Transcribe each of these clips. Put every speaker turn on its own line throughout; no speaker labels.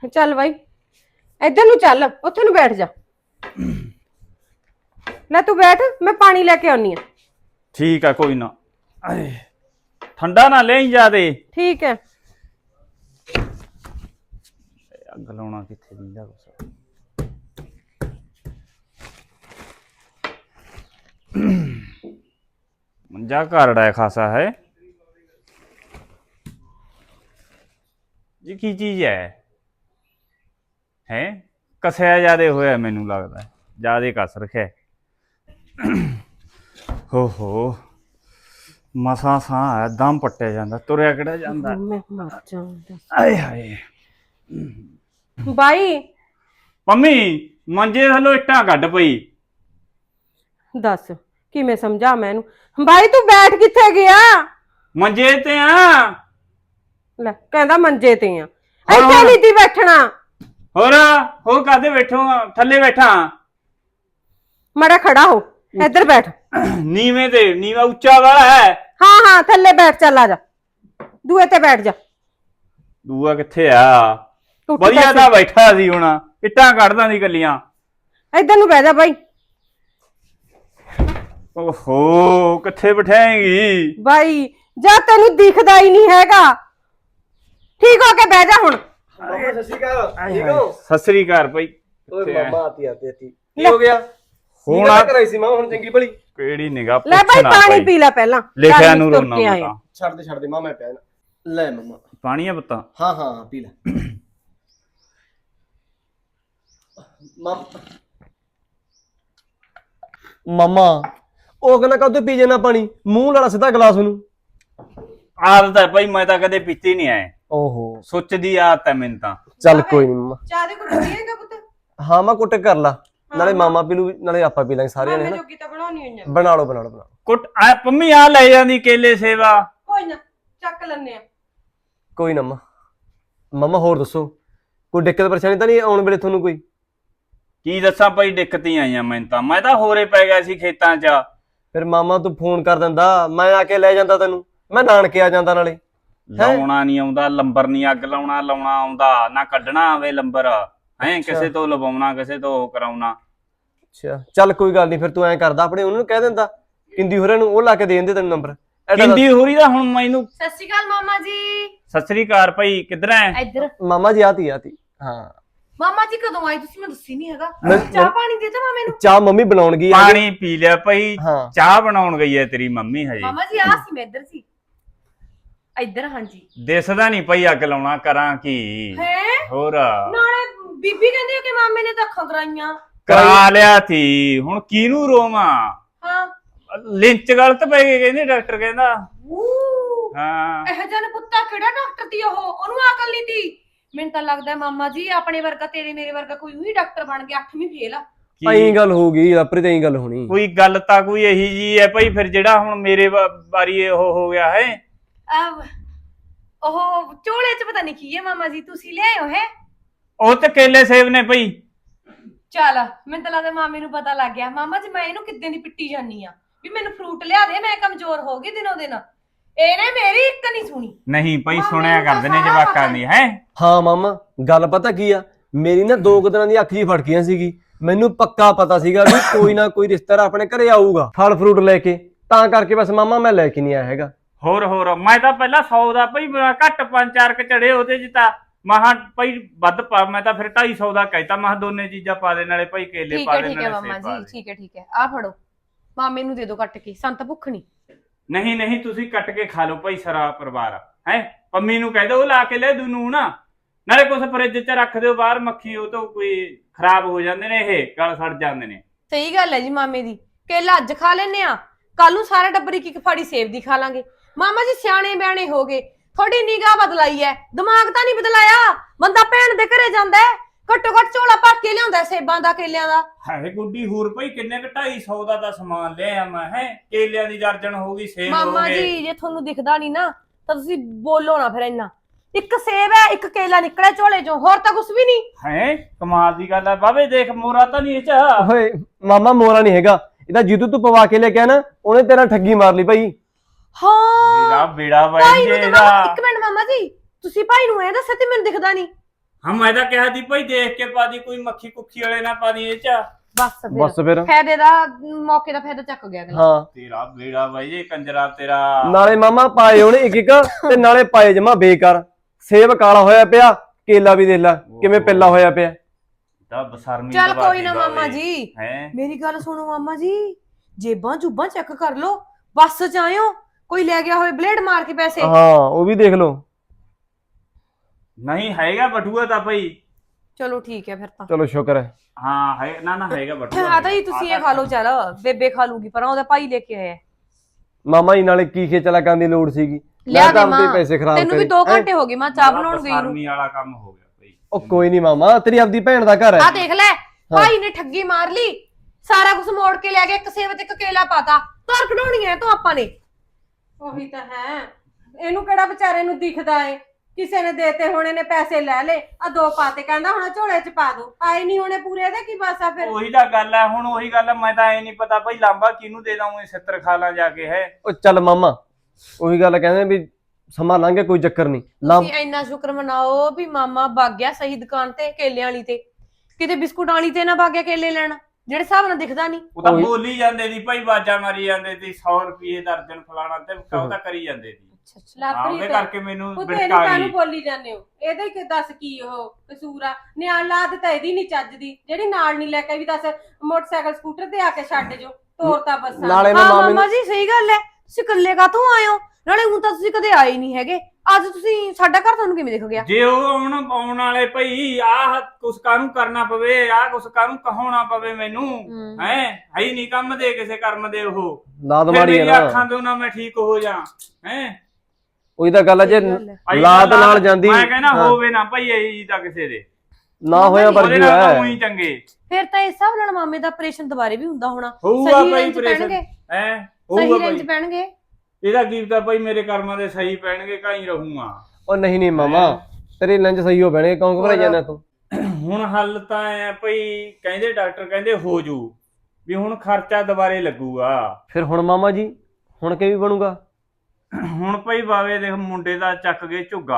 ਚੱਲ ਬਾਈ ਇੱਧਰ ਨੂੰ ਚੱਲ, ਉੱਥੇ ਨੂੰ ਬੈਠ ਜਾ। ਲੈ ਤੂੰ ਬੈਠ, ਮੈਂ ਪਾਣੀ ਲੈ ਕੇ ਆਉਣੀ ਆ।
ਠੀਕ ਆ ਕੋਈ ਨਾ। ਠੰਡਾ ਨਾ ਲੈ ਜਾਦੇ।
ਠੀਕ ਹੈ।
ਅੱਗ ਲਾਉਣਾ ਕਿੱਥੇ ਦਿੰਦਾ ਕੁਛ। ਮੰਜਾ ਘਰੜਾ ਖਾਸਾ ਹੈ ਜੀ। ਕੀ ਚੀਜ਼ ਹੈ ਕਸਿਆ ਜਿਆਦੇ ਹੋਇਆ, ਮੈਨੂੰ ਲੱਗਦਾ ਜਿਆਦੇ ਕਸ ਰੱਖਿਆ। ਹੋ ਮਸਾਂ ਸਾਹ ਦਮ ਪੱਟਿਆ ਜਾਂਦਾ, ਤੁਰਿਆ ਕਿਹੜਾ ਜਾਂਦਾ।
ਮੈਂ ਮਰ ਜਾਵਾਂ।
ਆਏ ਹਾਏ
ਬਾਈ
ਮੰਮੀ, ਮੰਜੇ ਥੱਲੋਂ ਇੱਟਾਂ ਕੱਢ ਪਈ।
ਦੱਸ ਕਿਵੇਂ ਸਮਝਾ ਮੈਂ ਇਹਨੂੰ। ਬਾਈ ਤੂੰ ਬੈਠ ਕਿੱਥੇ ਗਿਆ?
ਮੰਜੇ ਤੇ ਆ।
ਲੈ ਕਹਿੰਦਾ ਮੰਜੇ ਤੇ ਆ, ਇੱਥੇ ਨਹੀਂ ਤੀ ਬੈਠਣਾ।
ਹੋਰ ਕਾਹਦੇ ਬੈਠੋ? ਥੱਲੇ ਬੈਠਾ।
ਮੜਾ ਖੜਾ ਹੋ, ਇੱਧਰ ਬੈਠ।
ਨੀਵੇਂ ਤੇ ਨੀਵਾ ਉੱਚਾ ਵਾਲਾ ਹੈ।
ਹਾਂ ਥੱਲੇ ਬੈਠ, ਚੱਲ ਆ ਜਾ, ਦੂਏ ਤੇ ਬੈਠ ਜਾ।
ਦੂਆ ਕਿੱਥੇ ਆ? ਵਧੀਆ ਤਾਂ ਬੈਠਾ ਸੀ, ਹੁਣ ਇੱਟਾਂ ਕੱਢਦਾ ਸੀ ਕੱਲੀਆਂ।
ਇੱਧਰ ਨੂੰ ਬਹਿ ਜਾ ਬਾਈ।
ਓਹੋ ਕਿੱਥੇ ਬਿਠਾਏਂਗੀ
ਬਾਈ? ਜਾ ਤੈਨੂੰ ਦਿਖਦਾ ਹੀ ਨਹੀਂ ਹੈਗਾ। ਠੀਕ ਹੋ ਕੇ ਬਹਿ ਜਾ ਹੁਣ।
ਸਤਿ ਸ਼੍ਰੀ ਅਕਾਲ। ਠੀਕ ਹੋ?
ਸਤਿ ਸ੍ਰੀ ਅਕਾਲ ਭਾਈ।
ਓਏ ਮਾਮਾ ਆਤੀ ਕੀ ਹੋ ਗਿਆ?
ਹੁਣ
ਕਰਾਈ ਸੀ ਮਾਂ, ਹੁਣ ਚੰਗੀ ਭਲੀ।
ਕਿਹੜੀ ਨਿਗਾਹ
ਲੈ ਭਾਈ ਪਾਣੀ ਪੀ ਲੈ ਪਹਿਲਾਂ।
ਲਿਖਿਆ ਨੂੰ ਰੋਣਾ
ਛੱਡ ਦੇ ਮਾਂ, ਮੈਂ ਪਿਆ ਲੈ ਮਾਮਾ
ਪਾਣੀ ਆ ਬੱਤਾ।
ਹਾਂ ਪੀ ਲੈ ਮਾਮਾ। ਉਹ ਕਹਿੰਦਾ ਕਦੋਂ ਪੀ ਜਾਣਾ ਪਾਣੀ, ਮੂੰਹ ਲਾਲਾ ਸਿੱਧਾ ਗਲਾਸ ਨੂੰ।
ਆਦਤ ਹੈ ਭਾਈ, ਮੈਂ ਤਾਂ ਕਦੇ ਪੀਤੀ ਨਹੀਂ ਆਏ।
ਓਹੋ
ਸੁੱਚਦੀ ਆਦਤ ਹੈ ਮੈਨੂੰ ਤਾਂ।
ਚੱਲ ਕੋਈ ਨਹੀਂ ਮਾਮਾ।
ਚਾਹ ਦੇ ਕੁੱਟ ਪੀਏਗਾ ਪੁੱਤ?
ਹਾਂ ਮੈਂ ਕੁੱਟ ਕਰ ਲਾ, ਨਾਲੇ ਮਾਮਾ ਪੀ ਲੂ ਨਾਲੇ ਆਪਾਂ ਪੀ ਲਾਂਗੇ ਸਾਰੇ ਨੇ।
ਜੋਗੀ ਤਾਂ ਬਣਾਉਣੀ ਹੋਈ ਆ।
ਬਣਾ ਲਓ।
ਕੁੱਟ ਆ ਪੰਮੀ, ਆ ਲੈ ਜਾਂਦੀ ਕੇਲੇ ਸੇਵਾ।
ਕੋਈ ਨਾ ਚੱਕ ਲੈਣੇ ਆ।
ਕੋਈ ਨਾ ਮਾਮਾ ਹੋਰ ਦੱਸੋ, ਕੋਈ ਦਿੱਕਤ ਪਰੇਸ਼ਾਨੀ ਤਾਂ ਨਹੀਂ ਆਉਣ ਵੇਲੇ ਤੁਹਾਨੂੰ ਕੋਈ?
ਕੀ ਦੱਸਾਂ ਭਾਈ, ਦਿੱਕਤ ਹੀ ਆਈਆਂ ਮੈਨੂੰ ਤਾਂ। ਮੈਂ ਤਾਂ ਹੋਰੇ ਪੈ ਗਿਆ ਸੀ ਖੇਤਾਂ 'ਚ।
ਫਿਰ ਮਾਮਾ ਤੂੰ ਫੋਨ ਕਰ ਦਿੰਦਾ, ਮੈਂ ਆ ਕੇ ਲੈ ਜਾਂਦਾ ਤੈਨੂੰ। ਮੈਂ ਨਾਨਕੇ ਆ ਜਾਂਦਾ ਨਾਲੇ।
ਲਾਉਣਾ ਨਹੀਂ ਆਉਂਦਾ ਲੰਬਰ, ਨਹੀਂ ਅੱਗ ਲਾਉਣਾ ਆਉਂਦਾ ਨਾ, ਕੱਢਣਾ ਆਵੇ ਲੰਬਰ ਹੈ ਕਿਸੇ ਤੋਂ ਲਵਾਉਣਾ, ਕਿਸੇ ਤੋਂ ਉਹ ਕਰਾਉਣਾ।
ਅੱਛਾ ਚੱਲ ਕੋਈ ਗੱਲ ਨਹੀਂ, ਫਿਰ ਤੂੰ ਐਂ ਕਰਦਾ ਆਪਣੇ ਉਹਨੂੰ ਕਹਿ ਦਿੰਦਾ ਕਿੰਦੀ ਹੋਰਾਂ ਨੂੰ, ਉਹ ਲਾ ਕੇ ਦੇ ਦਿੰਦੇ ਤੈਨੂੰ ਨੰਬਰ।
ਕਿੰਦੀ ਹੋਰੀ ਦਾ ਹੁਣ ਮੈਨੂੰ।
ਸਤਿ ਸ਼੍ਰੀ ਅਕਾਲ ਮਾਮਾ ਜੀ।
ਸਤਿ ਸ੍ਰੀ ਅਕਾਲ ਭਾਈ, ਕਿੱਧਰ ਐ?
ਇੱਧਰ।
ਮਾਮਾ ਜੀ ਆਤੀ ਹਾਂ।
ਮਾਮਾ ਜੀ ਕਦੋਂ ਆਏ ਤੁਸੀਂ? ਮੈਨੂੰ ਦੱਸੀ ਨਹੀਂ ਹੈਗਾ।
ਮੈਂ-
ਚਾਹ ਪਾਣੀ ਦੇ ਮਾਮੇ ਨੂੰ।
ਚਾਹ ਮੰਮੀ ਬਣਾਉਣ ਗਈ ਆ।
ਪਾਣੀ ਪੀ ਲਿਆ ਭਾਈ,
ਹਾਂ।
ਚਾਹ ਬਣਾਉਣ ਗਈ ਐ ਤੇਰੀ ਮੰਮੀ ਹਜੇ।
ਮਾਮਾ ਜੀ ਆ ਸੀ, ਮੈਂ ਇੱਧਰ ਸੀ। ਇੱਧਰ ਹਾਂਜੀ।
ਦਿਸਦਾ ਨਹੀਂ ਭਾਈ, ਅੱਗ ਲਾਉਣਾ ਕਰਾਂ ਕੀ?
ਹੈ
ਹੋਰ
ਨਾਲੇ ਬੀਬੀ ਕਹਿੰਦੀ ਕਿ ਮਾਮੇ ਨੇ ਤਾਂ ਅੱਖਾਂ ਕਰਾਈਆਂ।
ਕਰਾ ਲਿਆ ਸੀ, ਹੁਣ ਕਿਹਨੂੰ ਰੋਵਾਂ?
ਹਾਂ
ਲਿੰਚ ਗਲਤ ਪੈ ਗਏ ਕਹਿੰਦੇ, ਡਾਕਟਰ ਕਹਿੰਦਾ। ਹਾਂ
ਇਹ ਜਨ ਪੁੱਤਾ ਕਿਹੜਾ ਡਾਕਟਰ ਦੀ ਉਹਨੂੰ ਅਕਲ ਨਹੀਂ ਤੀ। ਮੈਨੂੰ ਤਾਂ ਲੱਗਦਾ ਮਾਮਾ ਜੀ ਆਪਣੇ ਵਰਗਾ, ਤੇਰੇ ਮੇਰੇ ਵਰਗਾ ਕੋਈ ਉਹੀ ਡਾਕਟਰ ਬਣ ਗਿਆ 8ਵੀਂ ਫੇਲ ਆ।
ਐਂ ਗੱਲ ਹੋ ਗਈ ਆਪਰੇ ਤੇ, ਐਂ ਗੱਲ ਹੋਣੀ।
ਕੋਈ ਗੱਲ ਤਾਂ ਕੋਈ ਇਹੀ ਜੀ ਹੈ ਭਾਈ, ਫਿਰ ਜਿਹੜਾ ਹੁਣ ਮੇਰੇ ਵਾਰੀ ਉਹ ਹੋ ਗਿਆ ਹੈ।
ਉਹ ਝੋਲੇ 'ਚ ਪਤਾ ਨਹੀਂ ਕੀ ਹੈ ਮਾਮਾ ਜੀ, ਤੁਸੀਂ ਲਿਆਏ ਹੋ ਹੈ?
ਉਹ ਤੇ ਕੇਲੇ ਸੇਬ ਨੇ ਭਾਈ।
ਚੱਲ ਮੈਨੂੰ ਤਾਂ ਲੱਗਦਾ ਮਾਮੇ ਨੂੰ ਪਤਾ ਲੱਗ ਗਿਆ। ਮਾਮਾ ਜੀ ਮੈਂ ਇਹਨੂੰ ਕਿੱਦਾਂ ਦੀ ਪਿੱਟੀ ਜਾਨੀ ਆ ਵੀ ਮੈਨੂੰ ਫਰੂਟ ਲਿਆ ਦੇ, ਮੈਂ ਕਮਜ਼ੋਰ ਹੋ ਗਈ ਦਿਨੋਂ ਦਿਨ। ਇਹਨੇ ਮੇਰੀ ਇੱਕ ਨਹੀਂ ਸੁਣੀ।
ਨਹੀਂ ਭਾਈ, ਸੁਣਿਆ ਕਰਦੇ ਨੇ ਜਵਾਕਾਂ ਦੀ ਹੈ।
ਹਾਂ ਮਾਮਾ ਗੱਲ ਪਤਾ ਕੀ ਆ, ਮੇਰੀ ਨਾ 2 ਦਿਨਾਂ ਦੀ ਅੱਖ ਜੀ ਫੜਕੀਆਂ ਸੀਗੀ। ਮੈਨੂੰ ਪੱਕਾ ਪਤਾ ਸੀਗਾ ਵੀ ਕੋਈ ਨਾ ਕੋਈ ਰਿਸ਼ਤੇਦਾਰ ਆਪਣੇ ਘਰੇ ਆਊਗਾ ਫਲ ਫਰੂਟ ਲੈ ਕੇ, ਤਾਂ ਕਰਕੇ ਬਸ ਮਾਮਾ ਮੈਂ ਲੈ ਕੇ ਨਹੀਂ ਆਇਆ ਹੈਗਾ।
ਹੋਰ ਮੈਂ ਤਾਂ ਪਹਿਲਾਂ 100 ਦਾ ਭਾਈ ਘੱਟ 5-4 ਕ ਚੜੇ ਉਹਦੇ 'ਚ ਤਾਂ ਮਹਾ ਭਾਈ ਵੱਧ ਪਾ। ਮੈਂ ਤਾਂ ਫਿਰ 250 ਦਾ ਕਹਿਤਾ, ਮਹਾ ਦੋਨੇ ਚੀਜ਼ਾਂ ਪਾ ਦੇ, ਨਾਲੇ ਭਾਈ ਕੇਲੇ ਪਾ ਦੇ,
ਠੀਕ ਹੈ
ਨਾਲੇ
ਮਾਮਾ
ਸੇਬ ਪਾ
ਜੀ।
ਦੇ।
ਠੀਕ ਹੈ ਆ ਫੜੋ, ਮਾਮੇ ਨੂੰ ਦੇ ਦਿਓ ਕੱਟ ਕੇ, ਸੰਤ ਭੁੱਖ ਨਹੀਂ।
ਨਹੀਂ ਤੁਸੀਂ ਕੱਟ ਕੇ ਖਾ ਲਓ ਭਾਈ, ਸਾਰਾ ਪਰਿਵਾਰ ਹੈ। ਪੰਮੀ ਨੂੰ ਕਹਿ ਦਿਓ ਉਹ ਲਾ ਕੇ ਲੈ ਦੂ ਨੂੰ ਨਾ, ਨਾਲੇ ਕੁਛ ਫਰਿੱਜ 'ਚ ਰੱਖ ਦਿਓ ਬਾਹਰ, ਮੱਖੀ ਉਹ ਤੋਂ ਕੋਈ ਖਰਾਬ ਹੋ ਜਾਂਦੇ ਨੇ, ਇਹ ਗਲ ਸੜ ਜਾਂਦੇ ਨੇ।
ਸਹੀ ਗੱਲ ਹੈ ਜੀ ਮਾਮੇ ਦੀ। ਕੇਲਾ ਅੱਜ ਖਾ ਲੈਨੇ ਆ, ਕੱਲ ਨੂੰ ਸਾਰਾ ਟੱਬਰ ਇੱਕ ਫਾੜੀ ਸੇਬ ਦੀ ਖਾ ਲਾਂਗੇ। ਮਾਮਾ ਜੀ ਸਿਆਣੇ ਬਿਆਣੇ ਹੋ ਗਏ, ਥੋੜੀ ਨਿਗਾਹ ਬਦਲਾਈ ਹੈ, ਦਿਮਾਗ ਤਾਂ ਨਹੀਂ ਬਦਲਾਇਆ। ਬੰਦਾ ਭੈਣ ਦੇ ਘਰੇ ਜਾਂਦਾ ਹੈ, ਘੱਟੋ ਘੱਟ ਝੋਲਾ ਭਰ ਕੇ ਲਿਆਉਂਦਾ ਸੇਬਾਂ ਦਾ, ਕੇਲਿਆਂ ਦਾ।
ਹਾਏ ਗੁੱਡੀ ਹੋਰ ਭਾਈ, ਕਿੰਨੇ ਕ 250 ਦਾ ਤਾਂ ਸਮਾਨ ਲਿਆ ਮੈਂ ਹੈ। ਕੇਲਿਆਂ ਦੀ ਦਰਜਨ ਹੋ ਗਈ, ਸੇਬ ਹੋ
ਮਾਮਾ
ਗਏ।
ਜੀ ਜੇ ਤੁਹਾਨੂੰ ਦਿਖਦਾ ਨਹੀਂ ਨਾ ਤਾਂ ਤੁਸੀਂ ਬੋਲੋ ਨਾ ਫਿਰ ਇੰਨਾ। ਇੱਕ ਸੇਬ ਹੈ, ਇੱਕ ਕੇਲਾ ਨਿਕਲਿਆ ਝੋਲੇ ਚੋਂ, ਹੋਰ ਤਾਂ ਕੁਝ ਵੀ ਨਹੀਂ
ਹੈ। ਕਮਾਲ ਦੀ ਗੱਲ ਹੈ ਬਾਬੇ, ਦੇਖ ਮੋਰਾ ਤਾਂ ਨਹੀਂ ਇਹ 'ਚ।
ਓਏ ਮਾਮਾ ਮੋਰਾ ਨਹੀਂ ਹੈਗਾ, ਇਹਦਾ ਜਿੱਦੂ ਤੂੰ ਪਵਾ ਕੇ ਲੈ ਕੇ ਆ ਨਾ, ਉਹਨੇ ਤੇਰਾ ਠੱਗੀ ਮਾਰ ਲਈ ਭਾਈ।
ਹਾਂ
ਮੇਰਾ ਬੇੜਾ
ਭਾਈ
ਵਾਈ
ਨੂੰ
ਇਹਦਾ।
ਇੱਕ ਮਿੰਟ ਮਾਮਾ ਜੀ, ਤੁਸੀਂ ਭਾਈ ਨੂੰ ਇਹ ਦੱਸਿਆ ਤੇ ਮੈਨੂੰ ਦਿਖਦਾ ਨਹੀਂ।
ਹਾਂ ਮੈਂ ਤਾਂ ਕਿਹਾ ਸੀ ਭਾਈ ਦੇਖ ਕੇ ਪਾ ਦੀ, ਕੋਈ ਮੱਖੀ ਕੁੱਖੀ ਵਾਲੇ ਨਾ ਪਾ ਦੀ ਇਹ ਚ।
ਬਸ ਫਿਰ
ਫਾਇਦੇ ਦਾ ਮੌਕੇ ਦਾ ਫਾਇਦਾ ਚੱਕ ਗਿਆ ਅਗਲਾ।
ਹਾਂ
ਤੇਰਾ ਬੇੜਾ ਬਾਈ ਇਹ ਕੰਜਰਾ ਤੇਰਾ।
ਨਾਲੇ ਮਾਮਾ ਪਾਏ ਉਹਨੇ ਇੱਕ ਇੱਕ ਤੇ ਨਾਲੇ ਪਾਏ ਜਮਾ ਬੇਕਾਰ। ਸੇਬ ਕਾਲਾ ਹੋਇਆ ਪਿਆ, ਕੇਲਾ ਵੀ ਦੇਖ ਲੈ ਕਿਵੇਂ ਪਿੱਲਾ ਹੋਇਆ ਪਿਆ।
ਤਾਂ ਬਸਰਮੀ
ਚੱਲ ਕੋਈ ਨਾ ਮਾਮਾ ਜੀ,
ਹੈ
ਮੇਰੀ ਗੱਲ ਸੁਣੋ ਮਾਮਾ ਜੀ, ਜੇਬਾਂ ਜੁਬਾਂ ਚੈੱਕ ਕਰ ਲੋ, ਬੱਸ ਚ ਆਇਓ ਕੋਈ ਲੈ ਗਿਆ ਹੋਵੇ ਬਲੇਡ ਮਾਰ ਕੇ ਪੈਸੇ।
ਹਾਂ ਉਹ ਵੀ ਦੇਖ ਲਓ।
ਨਹੀਂ ਹੈਗਾ ਬਟੂਆ ਤਾਂ ਭਾਈ।
ਚਲੋ ਠੀਕ ਹੈ ਫਿਰ ਤਾਂ।
ਚਲੋ ਸ਼ੁਕਰ ਹੈ।
ਹਾਂ ਹੈ ਨਾ ਹੈਗਾ ਬਟੂਆ।
ਆ ਤਾਂ ਜੀ ਤੁਸੀਂ ਇਹ ਖਾ ਲਓ, ਚੱਲ ਬੇਬੇ ਖਾ ਲੂਗੀ, ਪਰ ਉਹਦਾ ਭਾਈ ਲੈ ਕੇ ਆਇਆ।
ਮਾਮਾ ਜੀ ਨਾਲੇ ਕੀ ਖੇਚਲਾ ਕਰਨ ਦੀ ਲੋੜ ਸੀਗੀ,
ਲਿਆ
ਮੈਂ
ਦੇ
ਤਾਂ
ਮਾਂ,
ਆਪਦੇ ਪੈਸੇ ਖਰਾਬ
ਤੈਨੂੰ ਵੀ 2 ਘੰਟੇ ਹੋ ਗਏ ਮੈਂ ਚਾਹ ਬਣਾਉਣ ਗਈ ਨੂੰ।
ਬਸਰਮੀ ਵਾਲਾ ਕੰਮ ਹੋ ਗਿਆ ਭਾਈ।
ਉਹ ਕੋਈ ਨਹੀਂ ਮਾਮਾ, ਤੇਰੀ ਆਪਦੀ ਭੈਣ ਦਾ ਘਰ ਹੈ।
ਆ ਦੇਖ ਲੈ ਭਾਈ ਨੇ ਠੱਗੀ ਮਾਰ ਲਈ, ਸਾਰਾ ਕੁਝ ਮੋੜ ਕੇ ਲੈ ਗਿਆ, ਇੱਕ ਸੇਬ ਤੇ ਇੱਕ ਕੇਲਾ ਪਾਤਾ। ਧਰ ਕਢਾਉਣੀ ਐ ਤੋਂ ਆਪਾਂ ਨੇ।
ਉਹੀ ਤਾਂ ਹੈ, ਇਹਨੂੰ ਕਿਹੜਾ ਵਿਚਾਰੇ ਨੂੰ ਦਿਖਦਾ ਏ, ਕਿਸੇ ਨੇ ਦੇਤੇ ਹੋਣੇ ਨੇ, ਪੈਸੇ ਲੈ ਲੇ, ਆ 2 ਪਾਤੇ, ਕਹਿੰਦਾ ਹੁਣ ਝੋਲੇ ਚ ਪਾ ਦੋ, ਆਏ ਨਹੀਂ ਹੋਣੇ ਪੂਰੇ ਦੇ ਕੀ ਬਸ ਆ ਫਿਰ।
ਉਹੀ ਤਾਂ ਗੱਲ ਹੈ, ਹੁਣ ਉਹੀ ਗੱਲ ਹੈ, ਮੈਂ ਤਾਂ ਐ ਨਹੀਂ ਪਤਾ ਭਾਈ ਲਾਂਬਾ ਕਿਹਨੂੰ ਦੇ ਦਾਂ, ਉਹ 70 ਖਾ ਲਾਂ ਜਾ ਕੇ। ਹੈ
ਉਹ ਚੱਲ ਮਾਮਾ ਉਹੀ ਗੱਲ ਕਹਿੰਦੇ ਵੀ ਸਮਾਂ ਲੰਘ ਗਿਆ, ਕੋਈ ਚੱਕਰ ਨਹੀਂ।
ਤੁਸੀਂ ਇੰਨਾ ਸ਼ੁਕਰ ਮਨਾਓ ਵੀ ਮਾਮਾ ਵਗ ਗਿਆ ਸਹੀ ਦੁਕਾਨ ਤੇ, ਕੇਲਿਆਂ ਵਾਲੀ ਤੇ, ਕਿਤੇ ਬਿਸਕੁਟ ਵਾਲੀ ਤੇ ਨਾ ਵਗ ਗਿਆ ਕੇਲੇ ਲੈਣ, ਜਿਹੜੇ ਹਿਸਾਬ ਨਾਲ ਦਿਖਦਾ ਨਹੀਂ।
ਉਹ ਤਾਂ ਬੋਲੀ ਜਾਂਦੇ ਸੀ ਭਾਈ, ਬਾਜਾ ਮਾਰੀ ਜਾਂਦੇ ਸੀ 100 ਰੁਪਏ ਦਰਜਨ ਫਲਾਣਾ ਤੇ ਉਹ ਤਾਂ ਕਰੀ ਜਾਂਦੇ ਸੀ। ਉਹਦੇ ਕਰਕੇ ਮੈਨੂੰ
ਉਹ
ਬਿਟਕਾ
ਤੈਨੂੰ
ਗਈ।
ਕਾਹਨੂੰ ਬੋਲੀ ਜਾਂਦੇ ਹੋ, ਇਹਦਾ ਹੀ ਦੱਸ ਕੀ ਉਹ ਕਸੂਰ ਆ। ਨਿਆਣ ਲਾਦ ਤਾਂ ਇਹਦੀ ਨਹੀਂ ਚੱਜਦੀ, ਜਿਹੜੀ ਨਾਲ ਨਹੀਂ ਲੈ ਕੇ ਵੀ ਦੱਸ ਮੋਟਰਸਾਈਕਲ ਸਕੂਟਰ ਤੇ ਆ ਕੇ ਛੱਡ ਜੋ, ਤੋਰਤਾ ਬੱਸਾਂ।
ਨਾਲੇ ਮੈਂ
ਹਾਂ
ਮਾਮੇ
ਮਾਮਾ ਜੀ ਸਹੀ ਗੱਲ ਹੈ, ਤੁਸੀਂ ਇਕੱਲੇ ਕਾਹਤੋਂ ਆਏ ਹੋ? ਨਾਲੇ ਹੁਣ ਤਾਂ ਤੁਸੀਂ ਕਦੇ ਆਏ ਨਹੀਂ ਹੈਗੇ, ਅੱਜ ਤੁਸੀਂ ਸਾਡਾ ਘਰ ਤੁਹਾਨੂੰ ਕਿਵੇਂ ਦਿਖ ਗਿਆ?
ਜੇ ਉਹ ਆਉਣ ਵਾਲੇ ਭਾਈ ਆਹ ਕੁਛ ਕਾਹਨੂੰ ਕਰਨਾ ਪਵੇ, ਆਹ ਕੁਛ ਕਾਹਨੂੰ ਕਹਾਉਣਾ ਪਵੇ ਮੈਨੂੰ, ਹੈ ਹੀ ਨਹੀਂ ਕੰਮ ਦੇ ਕਿਸੇ ਕਰਮ ਦੇ। ਉਹ
ਲਾਦ
ਫਿਰ
ਮਾਰੀ ਹੈ
ਮੇਰੀਆਂ
ਨਾ,
ਅੱਖਾਂ ਤੋਂ ਨਾ ਮੈਂ ਠੀਕ ਹੋ ਜਾ। ਹੈ
ਉਹੀ ਤਾਂ ਗੱਲ ਹੈ, ਜੇ
ਆਈ
ਲਾਦ
ਗੱਲ
ਨਾਲ ਜਾਂਦੀ
ਮੈਂ ਕਹਿੰਦਾ
ਹਾਂ।
ਹੋਵੇ ਨਾ ਭਾਈ ਇਹੀ ਤਾਂ ਕਿਸੇ ਦੇ
ਨਾ ਹੋਇਆ
ਉਹਦੇ
ਵਰਗੀ
ਨਾਲ ਤਾਂ
ਹੈ।
ਉਹੀ ਚੰਗੇ
ਫਿਰ ਤਾਂ ਇਸ ਹਿਸਾਬ ਨਾਲ ਮਾਮੇ ਦਾ ਆਪਰੇਸ਼ਨ ਦੁਬਾਰੇ ਵੀ ਹੁੰਦਾ ਹੋਣਾ,
ਹੋਊਗਾ
ਸਹੀ
ਭਾਈ
ਰੇਂਜ
ਆਪਰੇਸ਼ਨ।
ਪੈਣਗੇ,
ਹੈ
ਸਹੀ
ਹੋਊਗਾ
ਰੇਂਜ
ਭਾਈ,
ਪੈਣਗੇ।
ਇਹਦਾ ਕੀ ਤਾਂ ਭਾਈ ਮੇਰੇ ਕਰਮਾਂ ਦੇ ਸਹੀ ਪੈਣਗੇ, ਕਾਈ ਰਹੂੰਗਾ।
ਉਹ ਨਹੀਂ ਮਾਮਾ, ਤੇਰੇ ਲੰਚ ਸਹੀ ਹੋ ਬਣੇ, ਕਿਉਂ ਘਬਰਾਈ ਜਾਂਦਾ ਤੂੰ?
ਹੁਣ ਹੱਲ ਤਾਂ ਐ ਭਾਈ, ਕਹਿੰਦੇ ਡਾਕਟਰ ਕਹਿੰਦੇ ਹੋ ਜੂ, ਵੀ ਹੁਣ ਖਰਚਾ ਦੁਬਾਰੇ ਲੱਗੂਗਾ।
ਫਿਰ ਹੁਣ ਮਾਮਾ ਜੀ ਹੁਣ ਕਿਵੇਂ ਬਣੂਗਾ?
ਹੁਣ ਭਾਈ ਬਾਵੇ ਦੇਖ ਮੁੰਡੇ ਦਾ ਚੱਕ ਗਏ ਝੁੱਗਾ।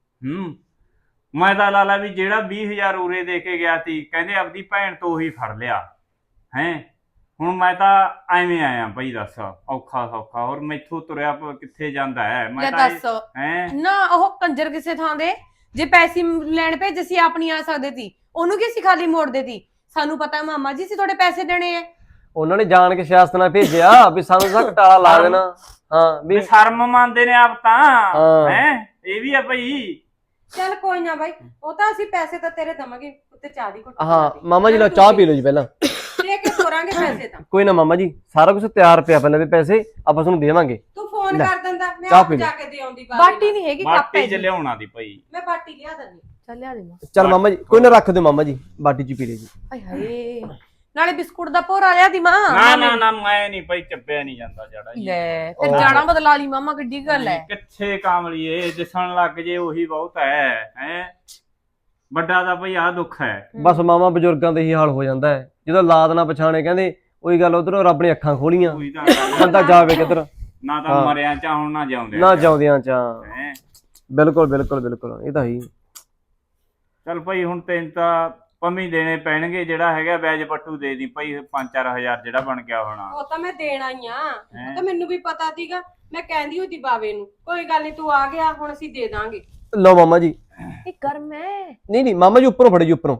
ਮੈਂ ਤਾਂ ਲਾਲਾ ਵੀ ਜਿਹੜਾ 20,000 ਉਰੇ ਦੇ ਕੇ ਗਿਆ ਸੀ, ਕਹਿੰਦੇ ਆਪਦੀ ਭੈਣ ਤੋਂ ਉਹੀ ਫੜ ਲਿਆ। ਹੈ ਹੁਣ ਮੈਂ ਤਾਂ ਐਵੇਂ ਆਇਆ ਭਾਈ, ਦੱਸ ਔਖਾ ਸੌਖਾ, ਹੋਰ ਮੈਥੋਂ ਤੁਰਿਆ ਕਿੱਥੇ ਜਾਂਦਾ ਹੈ?
ਲੈ
ਮੈਂ ਤਾਂ
ਦੱਸ
ਹੈ
ਨਾ, ਉਹ ਕੰਜਰ ਕਿਸੇ ਥਾਂ ਦੇ ਜੇ ਪੈਸੇ ਲੈਣ ਭੇਜੇ ਸੀ ਆਪ ਨਹੀਂ ਆ ਸਕਦੇ ਸੀ, ਉਹਨੂੰ ਕੀ ਸੀ ਖਾਲੀ ਮੋੜਦੇ ਸੀ? ਸਾਨੂੰ ਪਤਾ ਮਾਮਾ ਜੀ ਸੀ ਤੁਹਾਡੇ ਪੈਸੇ ਦੇਣੇ ਆ।
ਉਹਨਾਂ ਨੇ ਜਾਣ ਕੇ ਸਿਆਸਤ ਨਾਲ ਭੇਜਿਆ ਵੀ ਸਾਨੂੰ ਤਾਂ ਘਟਾਲਾ ਲਾ ਦੇਣਾ। ਹਾਂ ਵੀ
ਸ਼ਰਮ ਮੰਨਦੇ ਨੇ ਆਪ ਤਾਂ।
ਹਾਂ।
ਹੈ ਇਹ ਵੀ ਆ ਭਾਈ।
ਚੱਲ ਕੋਈ ਨਾ ਬਾਈ, ਉਹ ਤਾਂ ਅਸੀਂ ਪੈਸੇ ਤਾਂ ਤੇਰੇ ਦਵਾਂਗੇ, ਉੱਤੇ ਚਾਹ ਦੀ ਘੁੱਟ
ਹਾਂ ਮਾਮਾ ਜੀ ਲਓ ਚਾਹ ਪੀ ਲਓ ਜੀ ਪਹਿਲਾਂ।
ਦੇ ਕੇ ਤੋਰਾਂਗੇ ਪੈਸੇ ਤਾਂ।
ਕੋਈ ਨਾ ਮਾਮਾ ਜੀ, ਸਾਰਾ ਕੁਝ ਤਿਆਰ ਪਿਆ, ਪਹਿਲਾਂ ਵੀ ਪੈਸੇ ਆਪਾਂ ਤੁਹਾਨੂੰ ਦੇਵਾਂਗੇ।
ਤੂੰ ਫੋਨ
ਲੈ,
ਕਰ ਦਿੰਦਾ, ਮੈਂ
ਚਾਹ
ਆਪ
ਪੀ ਲੈ।
ਜਾ ਕੇ ਦੇ ਆਉਂਦੀ
ਬਾਟੀ ਨਹੀਂ ਹੈਗੀ, ਕੱਪ
ਮਾਟੀ
ਹੈ
ਚ
ਜੀ।
ਲਿਆਉਣਾ ਦੀ ਭਾਈ।
ਮੈਂ ਬਾਟੀ ਲਿਆ ਦਿੰਦੀ।
ਚੱਲ ਲਿਆ ਦੇ ਮਾਂ।
ਚੱਲ ਮਾਮਾ ਜੀ ਕੋਈ ਨਾ, ਰੱਖ ਦਿਓ ਮਾਮਾ ਜੀ, ਬਾਟੀ ਚ ਪੀ ਲੈ ਜੀ।
ਆਏ ਹਾਏ, ਨਾਲੇ ਬਿਸਕੁਟ ਦਾ ਭੋਰਾ ਲਿਆ ਦੀ ਮਾਂ।
ਨਾ ਮੈਂ ਨਹੀਂ ਭਾਈ, ਚੱਪਿਆ ਨਹੀਂ ਜਾਂਦਾ ਜੜਾ ਜੀ।
ਲੈ ਫਿਰ ਜਾਣਾ ਬਦਲਾ ਲਈ ਮਾਮਾ, ਕਿੱਡੀ ਗੱਲ ਹੈ।
ਕਿੱਥੇ ਕਾਮਲੀਏ, ਦਿਸਣ ਲੱਗ ਜੇ ਉਹੀ ਬਹੁਤ ਹੈ। ਹੈ ਵੱਡਾ ਦਾ ਭਾਈ ਆਹ ਦੁੱਖ ਹੈ।
ਬਸ ਮਾਮਾ ਬਜ਼ੁਰਗਾਂ ਦਾ ਹੀ ਹਾਲ ਹੋ ਜਾਂਦਾ ਹੈ, ਜਦੋਂ ਲਾਦ ਨਾ ਪਛਾਣੇ, ਕਹਿੰਦੇ ਉਹੀ ਗੱਲ, ਉਧਰੋਂ ਰੱਬ ਨੇ ਅੱਖਾਂ ਖੋਲੀਆਂ,
ਉਹੀ ਤਾਂ ਗੱਲ ਹੈ।
ਬੰਦਾ ਜਾਵੇ ਕਿੱਧਰ,
ਨਾ ਤਾਂ ਮਰਿਆ ਚਾ ਹੁਣ ਨਾ ਜਾਉਂਦੇ
ਨਾ ਜਾਉਂਦਿਆਂ ਚ।
ਹੈਂ।
ਬਿਲਕੁਲ ਬਿਲਕੁਲ ਬਿਲਕੁਲ, ਇਹ ਤਾਂ ਹੀ।
ਚੱਲ ਭਾਈ ਹੁਣ ਤੈਨੂੰ ਤਾਂ ਪੰਮੀ ਦੇਣੇ ਪੈਣਗੇ, ਜਿਹੜਾ ਹੈਗਾ ਵਿਆਜ ਪੱਟੂ ਦੇ ਦੀ ਭਾਈ 5-4 ਹਜ਼ਾਰ ਜਿਹੜਾ ਬਣ ਗਿਆ ਹੋਣਾ।
ਉਹ ਤਾਂ ਮੈਂ ਦੇਣਾ ਹੀ ਆ, ਉਹ ਤਾਂ ਮੈਨੂੰ ਵੀ ਪਤਾ ਸੀਗਾ, ਮੈਂ ਕਹਿੰਦੀ ਹੁੰਦੀ ਬਾਵੇ ਨੂੰ ਕੋਈ ਗੱਲ ਨਹੀਂ, ਤੂੰ ਆ ਗਿਆ ਹੁਣ ਅਸੀਂ ਦੇ ਦਾਂਗੇ।
ਲਓ ਮਾਮਾ ਜੀ।
ਇਹ ਗਰਮ ਹੈ।
ਨਹੀਂ ਮਾਮਾ ਜੀ, ਉੱਪਰੋਂ ਫੜੋ ਜੀ, ਉੱਪਰੋਂ।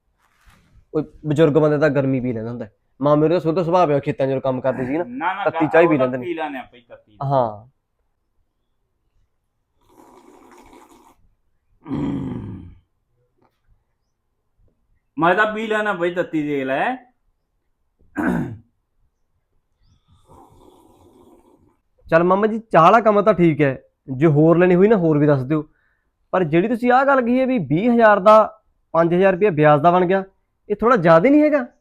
ਉਹ ਬਜ਼ੁਰਗ ਬੰਦੇ ਤਾਂ ਗਰਮੀ ਪੀ ਲੈਂਦਾ ਹੁੰਦਾ। ਮਾਮੇ ਦਾ ਸੁੱਧ ਸੁਭਾਅ ਪਿਆ, ਖੇਤਾਂ 'ਚ ਕੰਮ ਕਰਦੇ ਸੀ ਨਾ, ਤੱਤੀ ਚਾਹ ਪੀ ਲੈਂਦੇ ਨੇ।
ਪੀ ਲੈਣੇ ਭਾਈ ਤੱਤੀ।
ਹਾਂ
ਮੈਂ ਤਾਂ ਪੀ ਲੈਣਾ ਭਾਈ ਤੱਤੀ, ਦੇਖ ਲੈ।
ਚੱਲ ਮਾਮਾ ਜੀ, ਚਾਹ ਵਾਲਾ ਕੰਮ ਤਾਂ ਠੀਕ ਹੈ, ਜੇ ਹੋਰ ਲੈਣੀ ਹੋਈ ਨਾ ਹੋਰ ਵੀ ਦੱਸ ਦਿਓ, ਪਰ ਜਿਹੜੀ ਤੁਸੀਂ ਆਹ ਗੱਲ ਕਹੀ ਹੈ ਵੀ 20,000 ਦਾ 5,000 ਰੁਪਏ ਵਿਆਜ ਦਾ ਬਣ ਗਿਆ, ਇਹ ਥੋੜਾ ਜ਼ਿਆਦਾ ਨਹੀਂ ਹੈਗਾ?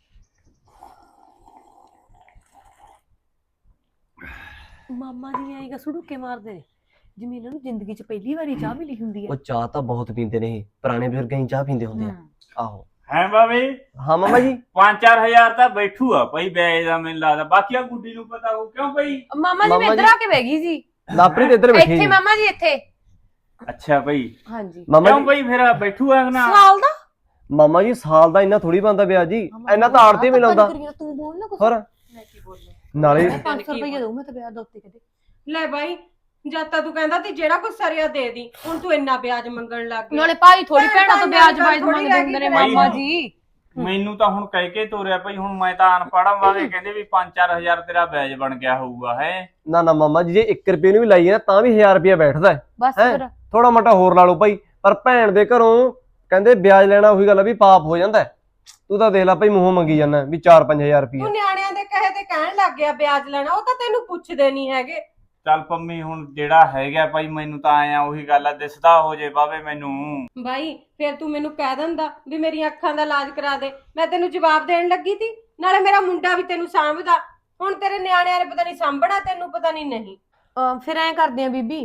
ਮਾਮਾ ਜੀ ਆਏਗਾ ਸੁੜੂਕੇ ਮਾਰਦੇ ਨੇ, ਜਿਵੇਂ ਇਹਨਾਂ ਨੂੰ ਜ਼ਿੰਦਗੀ 'ਚ ਪਹਿਲੀ ਵਾਰੀ ਚਾਹ ਮਿਲੀ ਹੁੰਦੀ ਹੈ।
ਉਹ ਚਾਹ ਤਾਂ ਬਹੁਤ ਪੀਂਦੇ ਨੇ ਇਹ, ਪੁਰਾਣੇ ਬਜ਼ੁਰਗ ਹੀ ਚਾਹ ਪੀਂਦੇ ਹੁੰਦੇ ਆ। ਆਹੋ
ਹੈ ਬਾਬੇ,
ਹਾਂ ਮਾਮਾ ਜੀ।
5-4 ਹਜ਼ਾਰ ਤਾਂ ਬੈਠੂ ਆ ਭਾਈ ਵਿਆਜ ਦਾ, ਮੈਨੂੰ ਲੱਗਦਾ। ਬਾਕੀ ਆ ਗੁੱਡੀ ਨੂੰ ਪਤਾ ਹੋ ਕਿਉਂ ਭਾਈ?
ਮਾਮਾ ਜੀ ਮੈਂ
ਮਾਮਾ
ਇੱਧਰ
ਜੀ-
ਆ ਕੇ ਬਹਿ ਗਈ ਸੀ।
ਲਾਪਰੀ ਤੇ ਇੱਧਰ ਬੈਠੀ
ਇੱਥੇ
ਜੀ।
ਮਾਮਾ ਜੀ ਇੱਥੇ
ਅੱਛਾ ਭਾਈ
ਹਾਂਜੀ
ਮਾਮਾ
ਕਿਉਂ
ਜੀ
ਭਾਈ ਫਿਰ ਬੈਠੂ ਆ ਨਾ
ਸਾਲ ਦਾ
ਮਾਮਾ ਜੀ ਸਾਲ ਦਾ ਇੰਨਾ ਥੋੜੀ ਬਣਦਾ ਵਿਆਜ ਜੀ, ਇੰਨਾ ਤਾਂ ਆੜਤੀ ਵੀ ਲਾਉਂਦਾ।
ਤੂੰ ਬੋਲ ਨਾ ਕੁਛ
ਹੋਰ
ਮੈਂ ਕੀ ਬੋਲਾਂ
ਨਾਲੇ
500 ਰੁਪਏ ਦਊ ਮੈਂ ਤਾਂ ਵਿਆਹ ਦਾ ਉੱਤੇ ਕਦੇ
ਲੈ ਬਾਈ ਜਦ ਤਾਂ ਤੂੰ ਕਹਿੰਦਾ ਤੀ ਜਿਹੜਾ ਕੁਛ ਸਰਿਆ ਦੇ ਦੀ, ਹੁਣ ਤੂੰ ਇੰਨਾ ਵਿਆਜ ਮੰਗਣ ਲੱਗ ਗਿਆ।
ਨਾਲੇ ਭਾਈ ਥੋੜੀ ਭੈਣਾਂ ਤੋਂ ਵਿਆਜ ਵਾਜ
ਥੋੜ੍ਹੀ
ਮੰਗਦੇ
ਰਹਿ
ਹੁੰਦੇ ਨੇ
ਗਈ
ਮਾਮਾ
ਭਾਈ।
ਜੀ।
ਮੈਨੂੰ ਤਾਂ ਹੁਣ ਕਹਿ ਕੇ ਤੋਰਿਆ ਭਾਈ, ਹੁਣ ਮੈਂ ਤਾਂ ਅਨਪੜ੍ਹ ਵਾਂਗੇ ਕਹਿੰਦੇ ਵੀ 5-4000 ਤੇਰਾ ਵਿਆਜ ਬਣ ਗਿਆ ਹੋਊਗਾ ਹੈ।
ਨਾ ਨਾ ਮਾਮਾ ਜੀ ਜੇ 1 ਰੁਪਏ ਨੂੰ ਵੀ ਲਾਈਏ ਨਾ ਤਾਂ ਵੀ 1000 ਰੁਪਏ ਬੈਠਦਾ ਹੈ।
ਬਸ
ਹੈਂ?
ਫਿਰ
ਥੋੜਾ ਮੋਟਾ ਹੋਰ ਲਾ ਲਓ ਭਾਈ, ਪਰ ਭੈਣ ਦੇ ਘਰੋਂ ਕਹਿੰਦੇ ਵਿਆਜ ਲੈਣਾ ਉਹੀ ਗੱਲ ਆ ਵੀ ਪਾਪ ਹੋ ਜਾਂਦਾ ਹੈ। ਤੂੰ ਤਾਂ ਦੇਖ ਲੈ ਭਾਈ ਮੂੰਹੋਂ ਮੰਗੀ ਜਾਂਦਾ ਵੀ 4-5000 ਰੁਪਏ।
ਤੂੰ ਨਿਆਣਿਆਂ ਦੇ ਕਹੇ ਤੇ ਕਹਿਣ ਲੱਗ ਗਿਆ ਵਿਆਜ ਲੈਣਾ, ਉਹ ਤਾਂ ਤੈਨੂੰ ਪੁੱਛਦੇ ਨਹੀਂ ਹੈਗੇ।
ਚੱਲ ਪੰਮੀ ਹੁਣ ਜਿਹੜਾ ਹੈਗਾ ਭਾਈ ਮੈਨੂੰ ਤਾਂ ਆਇਆ ਉਹੀ ਗੱਲ ਆ, ਦਿਸਦਾ ਹੋ ਜੇ ਬਾਵੇ ਮੈਨੂੰ।
ਬਾਈ ਫਿਰ ਤੂੰ ਮੈਨੂੰ ਕਹਿ ਦਿੰਦਾ ਵੀ ਮੇਰੀਆਂ ਅੱਖਾਂ ਦਾ ਇਲਾਜ ਕਰਾ ਦੇ, ਮੈਂ ਤੈਨੂੰ ਜਵਾਬ ਦੇਣ ਲੱਗੀ ਤੀ। ਨਾਲੇ ਮੇਰਾ ਮੁੰਡਾ ਵੀ ਤੈਨੂੰ ਸਾਂਭਦਾ, ਹੁਣ ਤੇਰੇ ਨਿਆਣਿਆਂ ਨੇ ਪਤਾ ਨਹੀਂ ਸਾਂਭਣਾ ਤੈਨੂੰ, ਪਤਾ ਨਹੀਂ ਨਹੀਂ।
ਫਿਰ ਐਂ ਕਰਦੇ ਆ ਬੀਬੀ,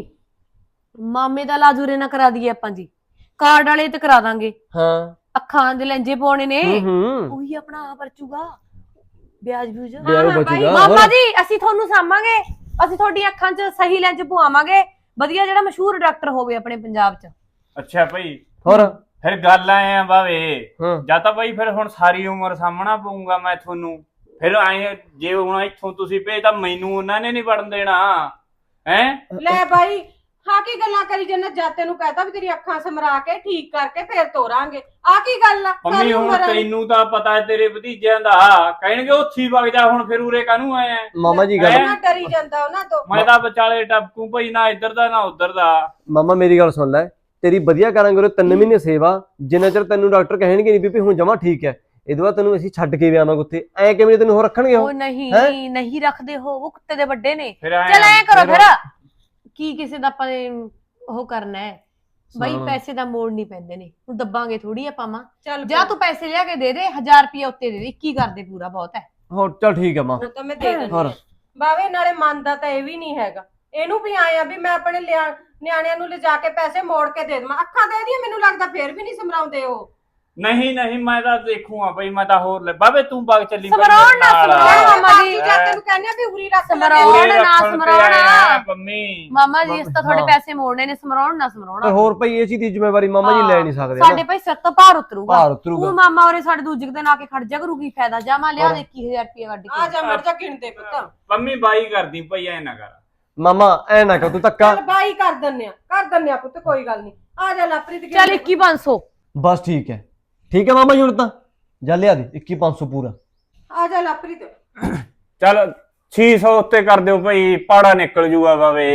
ਮਾਮੇ ਦਾ ਇਲਾਜ ਉਰੇ ਨਾ ਕਰਾ ਦਈਏ ਆਪਾਂ ਜੀ, ਕਾਰਡ ਵਾਲੇ ਤੇ ਕਰਾ ਦਾਂਗੇ।
ਹਾਂ
ਅੱਖਾਂ ਦੇ ਲੈਂਜੇ ਪਾਉਣੇ ਨੇ,
ਹੂੰ
ਉਹੀ ਆਪਣਾ ਆ ਪਰਚੂਗਾ ਵਿਆਜ ਵਿਊਜ।
ਵਿਆਜ
ਹਾਂ
ਬਚੂਗਾ।
ਮਾਮਾ ਜੀ ਅਸੀਂ ਤੁਹਾਨੂੰ ਸਾਂਭਾਂਗੇ, ਅਸੀਂ ਤੁਹਾਡੀਆਂ ਅੱਖਾਂ 'ਚ ਸਹੀ ਲੈਂਜ ਪਵਾਵਾਂਗੇ, ਵਧੀਆ ਜਿਹੜਾ ਮਸ਼ਹੂਰ ਡਾਕਟਰ ਹੋਵੇ ਆਪਣੇ ਪੰਜਾਬ 'ਚ।
ਅੱਛਾ ਭਾਈ
ਹੋਰ
ਫਿਰ ਗੱਲ ਆਏ ਆ ਬਾਵੇ,
ਹਾਂ
ਜਾਂ ਤਾਂ ਭਾਈ ਫਿਰ ਹੁਣ ਸਾਰੀ ਉਮਰ ਸਾਹਮਣਾ ਪਊਗਾ ਮੈਂ ਤੁਹਾਨੂੰ। ਫਿਰ ਆਏ ਜੇ ਹੁਣ ਇੱਥੋਂ ਤੁਸੀਂ ਭੇਜ ਤਾਂ ਮੈਨੂੰ ਉਹਨਾਂ ਨੇ ਨਹੀਂ ਵੜਨ ਦੇਣਾ ਹੈ।
ਲੈ ਬਾਈ ਹਾਂ ਕੀ ਗੱਲਾਂ ਕਰੀ ਜੰਨਾ, ਜਦ ਤੈਨੂੰ ਕਹਤਾ ਵੀ ਤੇਰੀ ਅੱਖਾਂ ਸਮਰਾ ਕੇ ਠੀਕ ਕਰਕੇ ਫੇਰ ਤੋਰਾਂਗੇ, ਆ ਕੀ ਗੱਲ ਆ?
ਮੰਮੀ
ਸਾਰੀ
ਹੁਣ
ਉਮਰ ਵਾਲੀ।
ਤੈਨੂੰ ਤਾਂ ਪਤਾ ਹੈ ਤੇਰੇ ਭਤੀਜਿਆਂ ਦਾ, ਕਹਿਣਗੇ ਉੱਥੀ ਵਗ ਜਾ, ਹੁਣ ਫਿਰ ਉਰੇ ਕਾਹਨੂੰ ਆਇਆ?
ਮਾਮਾ ਜੀ ਗੱਲ
ਹੈਂ?
ਨਾ ਡਰੀ ਜਾਂਦਾ ਉਹਨਾਂ ਤੋਂ।
ਮੈਂ ਤਾਂ ਵਿਚਾਲੇ ਟਪਕੂ ਭਾਈ, ਨਾ ਇੱਧਰ ਦਾ ਨਾ ਉੱਧਰ ਦਾ।
ਮਾਮਾ ਮੇਰੀ ਗੱਲ ਸੁਣ ਲੈ, ਤੇਰੀ ਵਧੀਆ ਕਰਾਂਗੇ ਉਹ 3 ਮਹੀਨੇ ਸੇਵਾ, ਜਿੰਨਾ ਚਿਰ ਤੈਨੂੰ ਡਾਕਟਰ ਕਹਿਣਗੇ ਨਹੀਂ ਵੀ ਹੁਣ ਜਮਾ ਠੀਕ ਹੈ, ਇਹਦੇ ਬਾਅਦ ਤੈਨੂੰ ਅਸੀਂ ਛੱਡ ਕੇ ਵੀ ਆਵਾਂਗੇ ਉੱਥੇ। ਐ ਕਿਵੇਂ ਤੈਨੂੰ ਹੋਰ ਰੱਖਣਗੇ ਉਹ?
ਉਹ ਨਹੀਂ
ਹੈਂ?
ਨਹੀਂ ਰੱਖਦੇ ਹੋ, ਉਹ ਕੁੱਤੇ ਦੇ ਵੱਡੇ ਨੇ।
ਫਿਰ ਆਏ
ਚਲ ਐਂ ਕਰੋ
ਫਿਰ-
ਫਿਰ, ਕੀ ਕਿਸੇ ਦਾ ਆਪਾਂ ਨੇ ਉਹ ਕਰਨਾ ਹੈ ਬਈ,
ਹਾਂ।
ਪੈਸੇ ਦਾ ਮੋੜ ਨਹੀਂ ਪੈਂਦੇ ਨੇ, ਹੁਣ ਦੱਬਾਂਗੇ ਥੋੜੀ ਆਪਾਂ ਮਾਂ।
ਚੱਲ
ਜਾਂ ਤੂੰ ਪੈਸੇ ਲਿਆ ਕੇ ਦੇ ਦੇ, 1000 ਰੁਪਏ ਉੱਤੇ ਦੇ ਦੇ, 21 ਕਰ ਦੇ, ਪੂਰਾ ਬਹੁਤ ਹੈ।
ਹੋਰ ਚੱਲ ਠੀਕ ਹੈ ਮਾਂ।
ਹੁਣ ਤਾਂ ਮੈਂ ਦੇ ਦਿੰਦੀ
ਹੋਰ
ਹਾਂ। ਬਾਵੇ ਨਾਲੇ ਮੰਨਦਾ ਤਾਂ ਇਹ ਵੀ ਨਹੀਂ ਹੈਗਾ, ਇਹਨੂੰ ਵੀ ਆਇਆ ਵੀ ਮੈਂ ਆਪਣੇ ਨਿਆਣਿਆਂ ਨੂੰ ਲਿਜਾ ਕੇ ਪੈਸੇ ਮੋੜ ਕੇ ਦੇ ਦੇਵਾਂ। ਅੱਖਾਂ ਦੇ ਦੀਆਂ ਮੈਨੂੰ ਲੱਗਦਾ ਫੇਰ ਵੀ ਨਹੀਂ ਸਮਰਾਉਂਦੇ ਉਹ।
ਨਹੀਂ ਮੈਂ ਤਾਂ ਦੇਖੂਗਾ ਭਾਈ, ਮੈਂ ਤਾਂ ਹੋਰ ਲੈ ਬਾਬੇ, ਤੂੰ ਵਗ ਚੱਲੀ ਭਾਈ
ਸਮਰਾਉਣ
ਮੇਰੇ
ਨਾ
ਨਾਲ।
ਸਮਰਾਉਣ। ਮਾਮਾ ਜੀ,
ਜਾਂ ਤੈਨੂੰ ਕਹਿੰਦੇ ਆ ਵੀ ਉਰੀ ਰੱਖ ਲੈ।
ਸਮਰਾਉਣ
ਉਰੇ
ਨਾ
ਰੱਖਣ ਤੇ
ਸਮਰਾਉਣ।
ਆਏ ਆ ਪੰਮੀ।
ਮਾਮਾ ਜੀ, ਇਸ ਤਾਂ ਤੁਹਾਡੇ
ਹਾਂ।
ਪੈਸੇ ਮੋੜਨੇ ਨੇ, ਸਮਰਾਉਣ ਨਾ
ਤੇ
ਸਮਰਾਉਣਾ।
ਹੋਰ ਭਾਈ ਇਹ ਚੀਜ਼ ਦੀ ਜ਼ਿੰਮੇਵਾਰੀ ਮਾਮਾ ਜੀ ਲੈ ਨਹੀਂ ਸਕਦੇ
ਸਾਡੇ
ਨਾ।
ਭਾਈ ਸਿਰ ਤੋਂ ਭਾਰ ਉਤਰੂਗਾ।
ਭਾਰ ਉਤਰੂਗਾ।
ਤੂੰ ਮਾਮਾ ਉਰੇ ਸਾਡੇ ਦੂਜੇ ਦਿਨ ਆ ਕੇ ਖੜ ਜਾ ਕਰੂਗੀ, ਫਾਇਦਾ ਜਾ ਮੈਂ ਲਿਆ ਦੇ 21000 ਰੁਪਏ ਕੱਢ
ਆ
ਕੇ।
ਜਾ ਮੜ ਜਾ ਗਿਣਦੇ ਪੁੱਤ।
ਪੰਮੀ ਬਾਈ ਕਰਦੀ ਭਾਈ, ਐ ਨਾ ਕਰ।
ਮਾਮਾ ਐ ਨਾ ਕਰ ਤੂੰ ਧੱਕਾ।
ਚੱਲ ਬਾਈ ਕਰ ਦਿੰਨੇ ਆ ਪੁੱਤ, ਕੋਈ ਗੱਲ ਨਹੀਂ। ਆ ਜਾ ਲਾਪਰੀ
ਚੱਲ 21500।
ਬਸ ਠੀਕ ਹੈ ਮਾਮਾ ਜੀ, ਹੁਣ ਤਾਂ ਜਾ ਲਿਆ ਦੇ 21500 ਪੂਰਾ।
ਆ ਜਾ ਲਾਪਰੀ ਤੇ।
ਚੱਲ 600 ਉੱਤੇ ਕਰ ਦਿਓ ਭਾਈ, ਪਾੜਾ ਨਿਕਲ ਜੂਗਾ ਬਾਵੇ।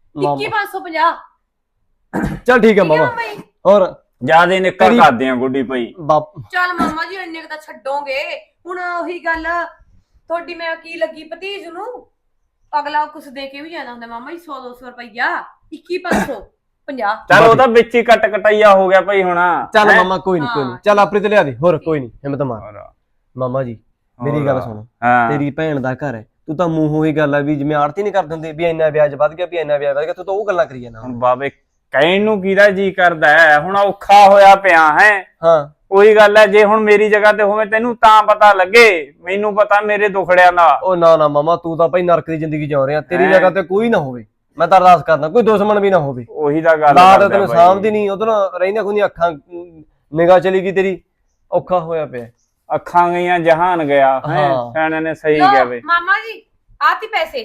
21550।
ਚੱਲ ਠੀਕ ਹੈ ਮਾਮਾ। ਹੋਰ
ਜਿਆਦੇ ਨਿਕਲ
ਤੇਰੀ-
ਕਰਦੇ ਆ ਗੁੱਡੀ ਭਾਈ।
ਬਾਪ
ਚੱਲ ਮਾਮਾ ਜੀ, ਇੰਨੇ ਕ ਤਾਂ ਛੱਡੋਗੇ ਹੁਣ। ਉਹੀ ਗੱਲ ਤੁਹਾਡੀ ਮੈਂ ਕੀ ਲੱਗੀ ਭਤੀਜ ਨੂੰ, ਅਗਲਾ ਕੁਛ ਦੇ ਕੇ ਵੀ ਜਾਂਦਾ ਹੁੰਦਾ ਮਾਮਾ ਜੀ, 100-200 ਰੁਪਈਆ। 21550।
ਚੱਲ ਉਹ ਤਾਂ ਵਿੱਚ ਹੀ ਕੱਟ ਕਟਾਈਆ ਹੋ ਗਿਆ ਭਾਈ ਹੁਣ।
ਚੱਲ
ਹੈਂ?
ਮਾਮਾ ਕੋਈ ਨਹੀਂ ਚੱਲ ਆਪਰੇ ਤੇ ਲਿਆ ਦੇ, ਹੋਰ ਕੋਈ ਨਹੀਂ ਹਿੰਮਤ ਮਾਰ।
ਹੋਰ।
ਮਾਮਾ ਜੀ ਮੇਰੀ ਗੱਲ ਸੁਣ,
ਹਾਂ।
ਤੇਰੀ ਭੈਣ ਦਾ ਘਰ ਹੈ, ਤੂੰ ਤਾਂ ਮੂੰਹੋਂ ਹੀ ਗੱਲ ਆ ਵੀ ਜਿਵੇਂ ਆੜਤੀ ਨਹੀਂ ਕਰ ਦਿੰਦੇ ਵੀ ਇੰਨਾ ਵਿਆਜ ਵੱਧ ਗਿਆ, ਵੀ ਇੰਨਾ ਵਿਆਜ ਵੱਧ ਗਿਆ, ਤੂੰ ਤਾਂ ਉਹ ਗੱਲਾਂ ਕਰੀ ਜਾਂਦਾ।
ਹੁਣ ਬਾਵੇ ਕਹਿਣ ਨੂੰ ਕਿਹਦਾ ਜੀ ਕਰਦਾ ਹੈ, ਹੁਣ ਔਖਾ ਹੋਇਆ ਪਿਆ ਹੈ।
ਹਾਂ
ਉਹੀ ਗੱਲ ਹੈ, ਜੇ ਹੁਣ ਮੇਰੀ ਜਗ੍ਹਾ ਤੇ ਹੋਵੇ ਤੈਨੂੰ ਤਾਂ ਪਤਾ ਲੱਗੇ, ਮੈਨੂੰ ਪਤਾ ਮੇਰੇ ਦੁਖੜਿਆਂ ਦਾ।
ਉਹ ਨਾ ਮਾਮਾ, ਤੂੰ ਤਾਂ ਭਾਈ ਨਰਕ ਦੀ ਜ਼ਿੰਦਗੀ ਜਿਉ ਰਿਹਾ, ਤੇਰੀ
ਹੈਂ?
ਜਗ੍ਹਾ ਤੇ ਕੋਈ ਨਾ ਹੋਵੇ। ਮੈਂ ਤਾਂ ਅਰਦਾਸ ਕਰਦਾ ਕੋਈ ਦੁਸ਼ਮਣ ਵੀ ਨਾ ਹੋਵੇ।
ਉਹੀ ਤਾਂ ਗੱਲ
ਲਾਦ
ਕਰਦਾ
ਤੈਨੂੰ
ਬਾਈ।
ਸਾਂਭਦੀ ਨਹੀਂ, ਉਧਰ ਰਹਿੰਦੀਆਂ ਖੁੰਦੀਆਂ ਅੱਖਾਂ ਨਿਗਾਹ ਚਲੀ ਗਈ ਤੇਰੀ, ਔਖਾ ਹੋਇਆ ਪਿਆ।
ਅੱਖਾਂ ਗਈਆਂ ਜਹਾਨ ਗਿਆ ਹੈ।
ਹਾਂ।
ਸਿਆਣੇ ਨੇ ਸਹੀ
ਲਓ
ਕਿਹਾ ਬਈ।
ਮਾਮਾ ਜੀ, ਆਤੀ ਪੈਸੇ।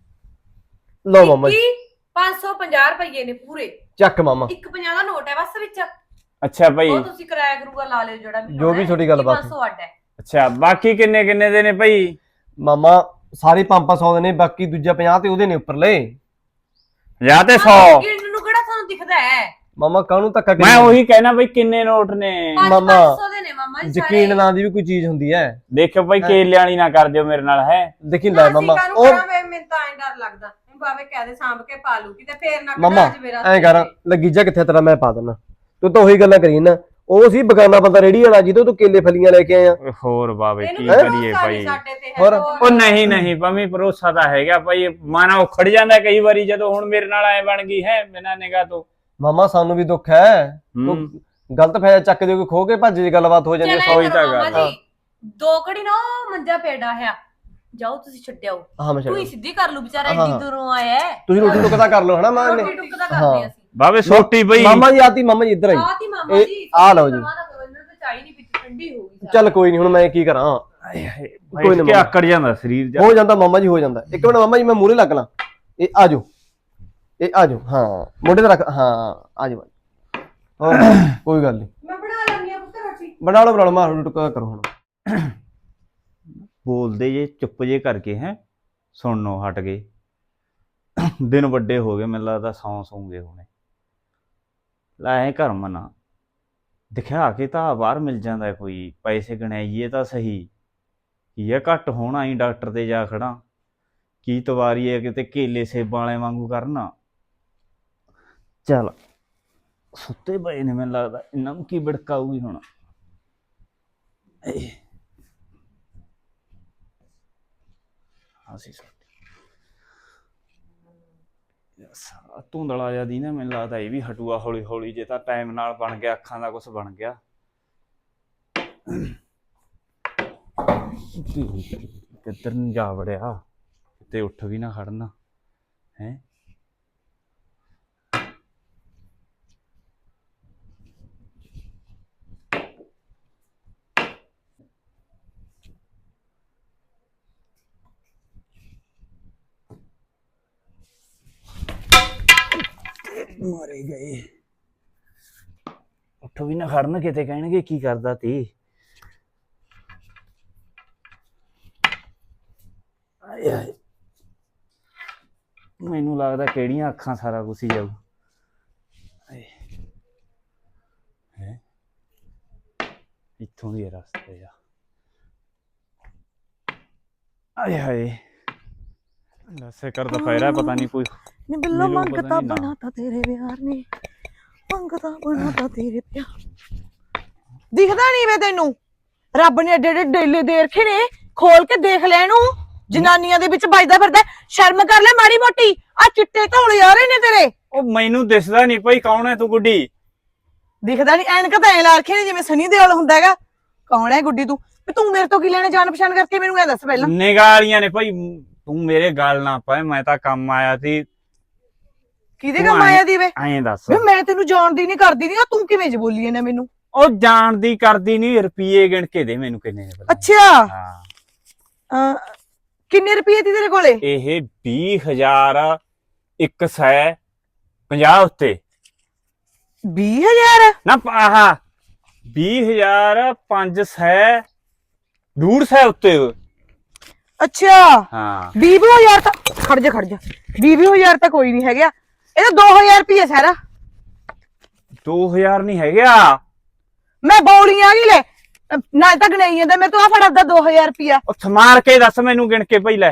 ਲਓ ਮਾਮਾ ਜੀ
550 ਰੁਪਏ ਨੇ ਪੂਰੇ।
ਚੱਕ ਮਾਮਾ,
150 ਦਾ ਨੋਟ ਹੈ ਬਸ ਵਿੱਚ,
ਅੱਛਾ ਭਾਈ।
ਉਹ ਤੁਸੀਂ ਕਿਰਾਇਆ ਕਰੂਗਾ ਲਾ ਲਿਓ ਜਿਹੜਾ ਵੀ
ਜੋ ਵੀ ਤੁਹਾਡੀ ਗੱਲ ਬਾਤ ਹੈ।
500 ਅੱਡ ਹੈ।
ਅੱਛਾ ਬਾਕੀ ਕਿੰਨੇ ਕਿੰਨੇ ਦੇ ਨੇ ਭਾਈ?
ਮਾਮਾ ਸਾਰੇ 500 ਦੇ ਨੇ, ਬਾਕੀ ਦੂਜਾ 50 ਤੇ ਉਹਦੇ ਨੇ ਉੱਪਰਲੇ।
ਜਾਂ ਤੇ 100।
ਗਿਣਨ ਨੂੰ ਕਿਹੜਾ ਤੁਹਾਨੂੰ ਦਿਖਦਾ ਹੈ?
ਮਾਮਾ ਕਾਹਨੂੰ ਧੱਕਾ ਕਰੀ
ਮੈਂ
ਜਾਂਦਾ?
ਉਹੀ ਕਹਿਣਾ ਬਈ ਕਿੰਨੇ ਨੋਟ ਨੇ?
ਮਾਮਾ,
500 ਦੇ ਨੇ ਮਾਮਾ ਜੀ ਸਾਰੇ।
ਯਕੀਨ ਨਾਂ ਦੀ ਵੀ ਕੋਈ ਚੀਜ਼ ਹੁੰਦੀ ਹੈ।
ਦੇਖਿਓ ਭਾਈ ਕੇਲੇ ਵਾਲੀ ਨਾ ਕਰ ਦਿਓ ਮੇਰੇ ਨਾਲ ਹੈ।
ਦੇਖੀ ਲੈ ਮਾਮਾ, ਉਹ
ਮੈਨੂੰ ਤਾਂ ਐਂ ਡਰ ਲੱਗਦਾ ਬਾਵੇ ਕਹਦੇ ਸਾਂਭ ਕੇ ਪਾ ਲੂਗੀ ਤੇ ਫੇਰ ਨਾ
ਮਾਮਾ
ਅੱਜ ਮੇਰਾ
ਐਂ ਕਰ, ਲੱਗੀਜਾ ਕਿੱਥੇ ਤੇਰਾ ਮੈਂ ਪਾ ਦਿੰਦਾ। ਤੂੰ ਤਾਂ ਉਹੀ ਗੱਲਾਂ ਕਰੀ ਨਾ, ਉਹ ਸੀ ਬਗਾਨਾ ਬੰਦਾ ਰੇੜੀ ਵਾਲਾ ਜਿਹਦੇ ਤੋਂ ਕੇਲੇ ਫਲੀਆਂ ਲੈ ਕੇ ਆਇਆ।
ਹੋਰ ਬਾਵੇ ਕੀ
ਇਹਨੂੰ
ਕਰੀਏ ਭਾਈ।
ਸਾਡੇ ਤੇ
ਹੋਰ?
ਉਹ ਨਹੀਂ ਭਾਵੇਂ ਭਰੋਸਾ ਤਾਂ ਹੈਗਾ ਭਾਈ, ਮਨ ਉਖੜ ਜਾਂਦਾ ਕਈ ਵਾਰੀ ਜਦੋਂ ਹੁਣ ਮੇਰੇ ਨਾਲ ਐ ਬਣ ਗਈ ਹੈ ਬਿਨਾਂ ਨਿਗਾਹ ਤੋਂ।
ਮਾਮਾ ਸਾਨੂੰ ਵੀ ਦੁੱਖ ਹੈ,
ਹੂੰ।
ਉਹ ਗਲਤ ਫਾਇਦਾ ਚੱਕ ਦੇ ਕੋਈ ਖੋ ਕੇ ਭੱਜ ਦੀ ਗੱਲਬਾਤ ਹੋ ਜਾਂਦੀ ਹੈ।
ਚੱਲ ਐਂ
ਸੌਈ ਤਾਂ
ਕਰੋ ਮਾਮਾ
ਗੱਲ
ਜੀ, ਦੋ ਘੜੀ ਨਾ ਉਹ ਮੰਜਾ ਪੇੜਾ ਹੈ, ਜਾਓ ਤੁਸੀਂ ਛੱਡਿਓ।
ਹਾਂ ਮੈਂ
ਤੂੰ ਹੀ
ਛੱਡ,
ਸਿੱਧੀ ਕਰ ਲੂ, ਵਿਚਾਰਾ
ਹਾਂ।
ਏਡੀ ਦੂਰੋਂ ਆਇਆ ਹੈ।
ਤੁਸੀਂ ਰੋਟੀ ਟੁੱਕਦਾ ਕਰ ਲਓ ਹਨਾ ਮਾਂ ਨੇ।
ਰੋਟੀ ਟੁੱਕ ਦਾ ਕਰਦੇ ਅਸੀਂ।
ਬਾਬੇ ਸੋਟੀ ਬਈ
ਮਾਮਾ ਜੀ ਆਤੀ, ਮਾਮਾ ਜੀ ਇੱਧਰ ਆਈ।
ਆਤੀ ਮਾਮਾ
ਇਹ
ਜੀ
ਆ ਲਓ ਜੀ।
ਇਹਨਾਂ ਤੇ ਚਾਹੀ ਨਹੀਂ ਪੀਤੀ, ਠੰਡੀ ਹੋ ਗਈ
ਚੱਲ ਕੋਈ ਨਹੀਂ, ਹੁਣ ਮੈਂ ਕੀ ਕਰਾਂ,
ਕੋਈ ਨਾ, ਆਕੜ ਜਾਂਦਾ ਸਰੀਰ ਜਾ।
ਹੋ ਜਾਂਦਾ ਮਾਮਾ ਜੀ, ਹੋ ਜਾਂਦਾ। ਇੱਕ ਮਿੰਟ ਮਾਮਾ ਜੀ, ਮੈਂ ਮੂਹਰੇ ਲੱਗ ਲਾਂ। ਇਹ ਆ ਜਾਓ, ਇਹ ਆ ਜਾਓ, ਹਾਂ ਮੋਢੇ ਤੇ ਰੱਖ, ਹਾਂ ਆ ਜਾਓ। ਹੋਰ ਕੋਈ ਗੱਲ ਨਹੀਂ,
ਮੈਂ ਬਣਾ ਲੈਂਦੀ ਆ ਪੁੱਤ ਰੋਟੀ।
ਬਣਾ ਲਓ ਮਾਰ ਟੁਕਾ ਕਰੋ ਹੁਣ।
ਬੋਲਦੇ ਜੇ ਚੁੱਪ ਜੇ ਕਰਕੇ ਹੈ, ਸੁਣਨੋਂ ਹਟ ਗਏ। ਦਿਨ ਵੱਡੇ ਹੋ ਗਏ, ਮੈਨੂੰ ਲੱਗਦਾ ਸੌਂ ਸੌਂਗੇ ਹੁਣੇ। ਲੈ ਘਰ ਮਨਾ ਦਿਖਾ ਕੇ ਤਾਂ ਬਾਹਰ ਮਿਲ ਜਾਂਦਾ ਕੋਈ, ਪੈਸੇ ਗਣਾਈਏ ਤਾਂ ਸਹੀ। ਕੀ ਹੈ ਘੱਟ ਹੋਣਾ ਹੀ, ਡਾਕਟਰ ਤੇ ਜਾ ਖੜਾ ਕੀ ਤਵਾਰੀ ਹੈ, ਕਿਤੇ ਕੇਲੇ ਸੇਬਾਂ ਵਾਲੇ ਵਾਂਗੂ ਕਰਨਾ। ਚੱਲ ਸੁੱਤੇ ਪਏ ਨੇ, ਮੈਨੂੰ ਲੱਗਦਾ ਇਹਨਾਂ ਨੂੰ ਕੀ ਭੜਕਾਊਗੀ ਹੁਣ। ਅਸੀਂ ਧੁੰਦਲਾ ਜਿਹਾ ਦੀ ਨਾ, ਮੈਨੂੰ ਲੱਗਦਾ ਇਹ ਵੀ ਹਟੂਆ ਹੌਲੀ ਹੌਲੀ, ਜੇ ਤਾਂ ਟਾਈਮ ਨਾਲ ਬਣ ਗਿਆ, ਅੱਖਾਂ ਦਾ ਕੁਝ ਬਣ ਗਿਆ। ਕਿੱਧਰ ਨੂੰ ਜਾ ਵੜਿਆ, ਕਿਤੇ ਉੱਠ ਵੀ ਨਾ ਖੜਨਾ ਹੈ। ਮਾਰੇ ਗਏ, ਉੱਠ ਵੀ ਨਾ ਖੜਨ, ਕਿਤੇ ਕਹਿਣਗੇ ਕੀ ਕਰਦਾ ਤੀ। ਆਏ ਆਏ, ਮੈਨੂੰ ਲੱਗਦਾ ਕਿਹੜੀਆਂ ਅੱਖਾਂ ਸਾਰਾ ਕੁਛ ਹੀ ਜਾਊ। ਹੈ ਇੱਥੋਂ ਦੀ ਰਸਤੇ ਆ। ਆਏ ਹਾਏ, ਲੱਸੇ ਕਰ ਦੁਪਹਿਰਾ ਪਤਾ ਨਹੀਂ ਕੋਈ
ਨੀ ਬਿੱਲੋ
ਮੈਨੂੰ ਪਤਾ
ਮੰਗਤਾ
ਨੀ ਨਾ।
ਬਣਾਤਾ ਤੇਰੇ ਪਿਆਰ ਨੇ, ਮੰਗਤਾ ਬਣਾਤਾ ਤੇਰੇ ਪਿਆਰ। ਦਿਖਦਾ ਨਹੀਂ ਵੇ ਤੈਨੂੰ, ਰੱਬ ਨੇ ਏਡੇ ਏਡੇ ਡੇਲੇ ਦੇ ਰੱਖੇ ਨੇ, ਖੋਲ ਕੇ ਦੇਖ ਲੈ ਇਹਨੂੰ। ਜਨਾਨੀਆਂ ਦੇ ਵਿੱਚ ਵੱਜਦਾ ਫਿਰਦਾ, ਸ਼ਰਮ ਕਰ ਲੈ ਮਾੜੀ ਮੋਟੀ। ਆ ਚਿੱਟੇ ਧੌਲੇ ਆ ਰਹੇ ਨੇ ਤੇਰੇ।
ਉਹ ਮੈਨੂੰ ਦਿਸਦਾ ਨਹੀਂ ਭਾਈ, ਕੌਣ ਹੈ ਤੂੰ ਗੁੱਡੀ?
ਦਿਖਦਾ ਨਹੀਂ, ਐਨਕ ਤਾਂ ਐ ਲਾ ਰੱਖੇ ਨੇ ਜਿਵੇਂ ਸਨੀ ਦਿਓਲ ਹੁੰਦਾ ਹੈਗਾ। ਕੌਣ ਹੈ ਗੁੱਡੀ ਤੂੰ? ਵੀ ਤੂੰ ਮੇਰੇ ਤੋਂ ਕੀ ਲੈਣੇ, ਜਾਣ ਪਛਾਣ ਕਰਕੇ ਮੈਨੂੰ ਇਹ ਦੱਸ ਪਹਿਲਾਂ।
ਨਿਗਾਲੀਆਂ ਨੇ ਭਾਈ, ਤੂੰ ਮੇਰੇ ਗੱਲ ਨਾ ਪਾਏ, ਮੈਂ ਤਾਂ ਕੰਮ ਆਇਆ ਸੀ।
ਕਿਹਦੇ ਕੰਮ ਆਇਆ ਦੀ ਵੇ?
ਐਂ ਦੱਸ,
ਵੇ ਮੈਂ ਤੈਨੂੰ ਜਾਣਦੀ ਨਹੀਂ ਕਰਦੀ ਨਹੀਂ, ਤੂੰ ਕਿਵੇਂ ਜ ਬੋਲੀ ਇਹਨੇ ਮੈਨੂੰ?
ਉਹ ਜਾਣਦੀ ਕਰਦੀ ਨਹੀਂ, ਰੁਪਏ ਗਿਣ ਕੇ ਦੇ ਮੈਨੂੰ ਕਿੰਨੇ ਨੇ ਪਹਿਲਾਂ।
ਅੱਛਾ,
ਹਾਂ
ਕਿੰਨੇ ਰੁਪਏ ਦੀ ਤੇਰੇ ਕੋਲੇ?
ਇਹ 20,150 ਉੱਤੇ
20,000?
ਨਾ ਆਹ 20,500 150 ਉੱਤੇ।
ਅੱਛਾ
ਹਾਂ
20,000 ਤਾਂ ਖੜ ਜਾ 20,000 ਤਾਂ ਕੋਈ ਨਹੀਂ ਹੈਗਾ, ਇਹ ਤਾਂ 2,000 ਰੁਪਏ ਸਾਰਾ।
2,000 ਨਹੀਂ ਹੈਗਾ,
ਮੈਂ ਬੌਲੀਆਂ ਕੀ ਲੈ ਨਾ ਤਾਂ ਗਣਾਈ ਜਾਂਦਾ, ਮੈਂ ਤੂੰ ਆ ਫੜ ਆਪਦਾ 2,000 ਰੁਪਿਆ
ਉਹ ਸਮਾਰ ਕੇ ਦੱਸ ਮੈਨੂੰ ਗਿਣ ਕੇ ਪਹਿਲੇ।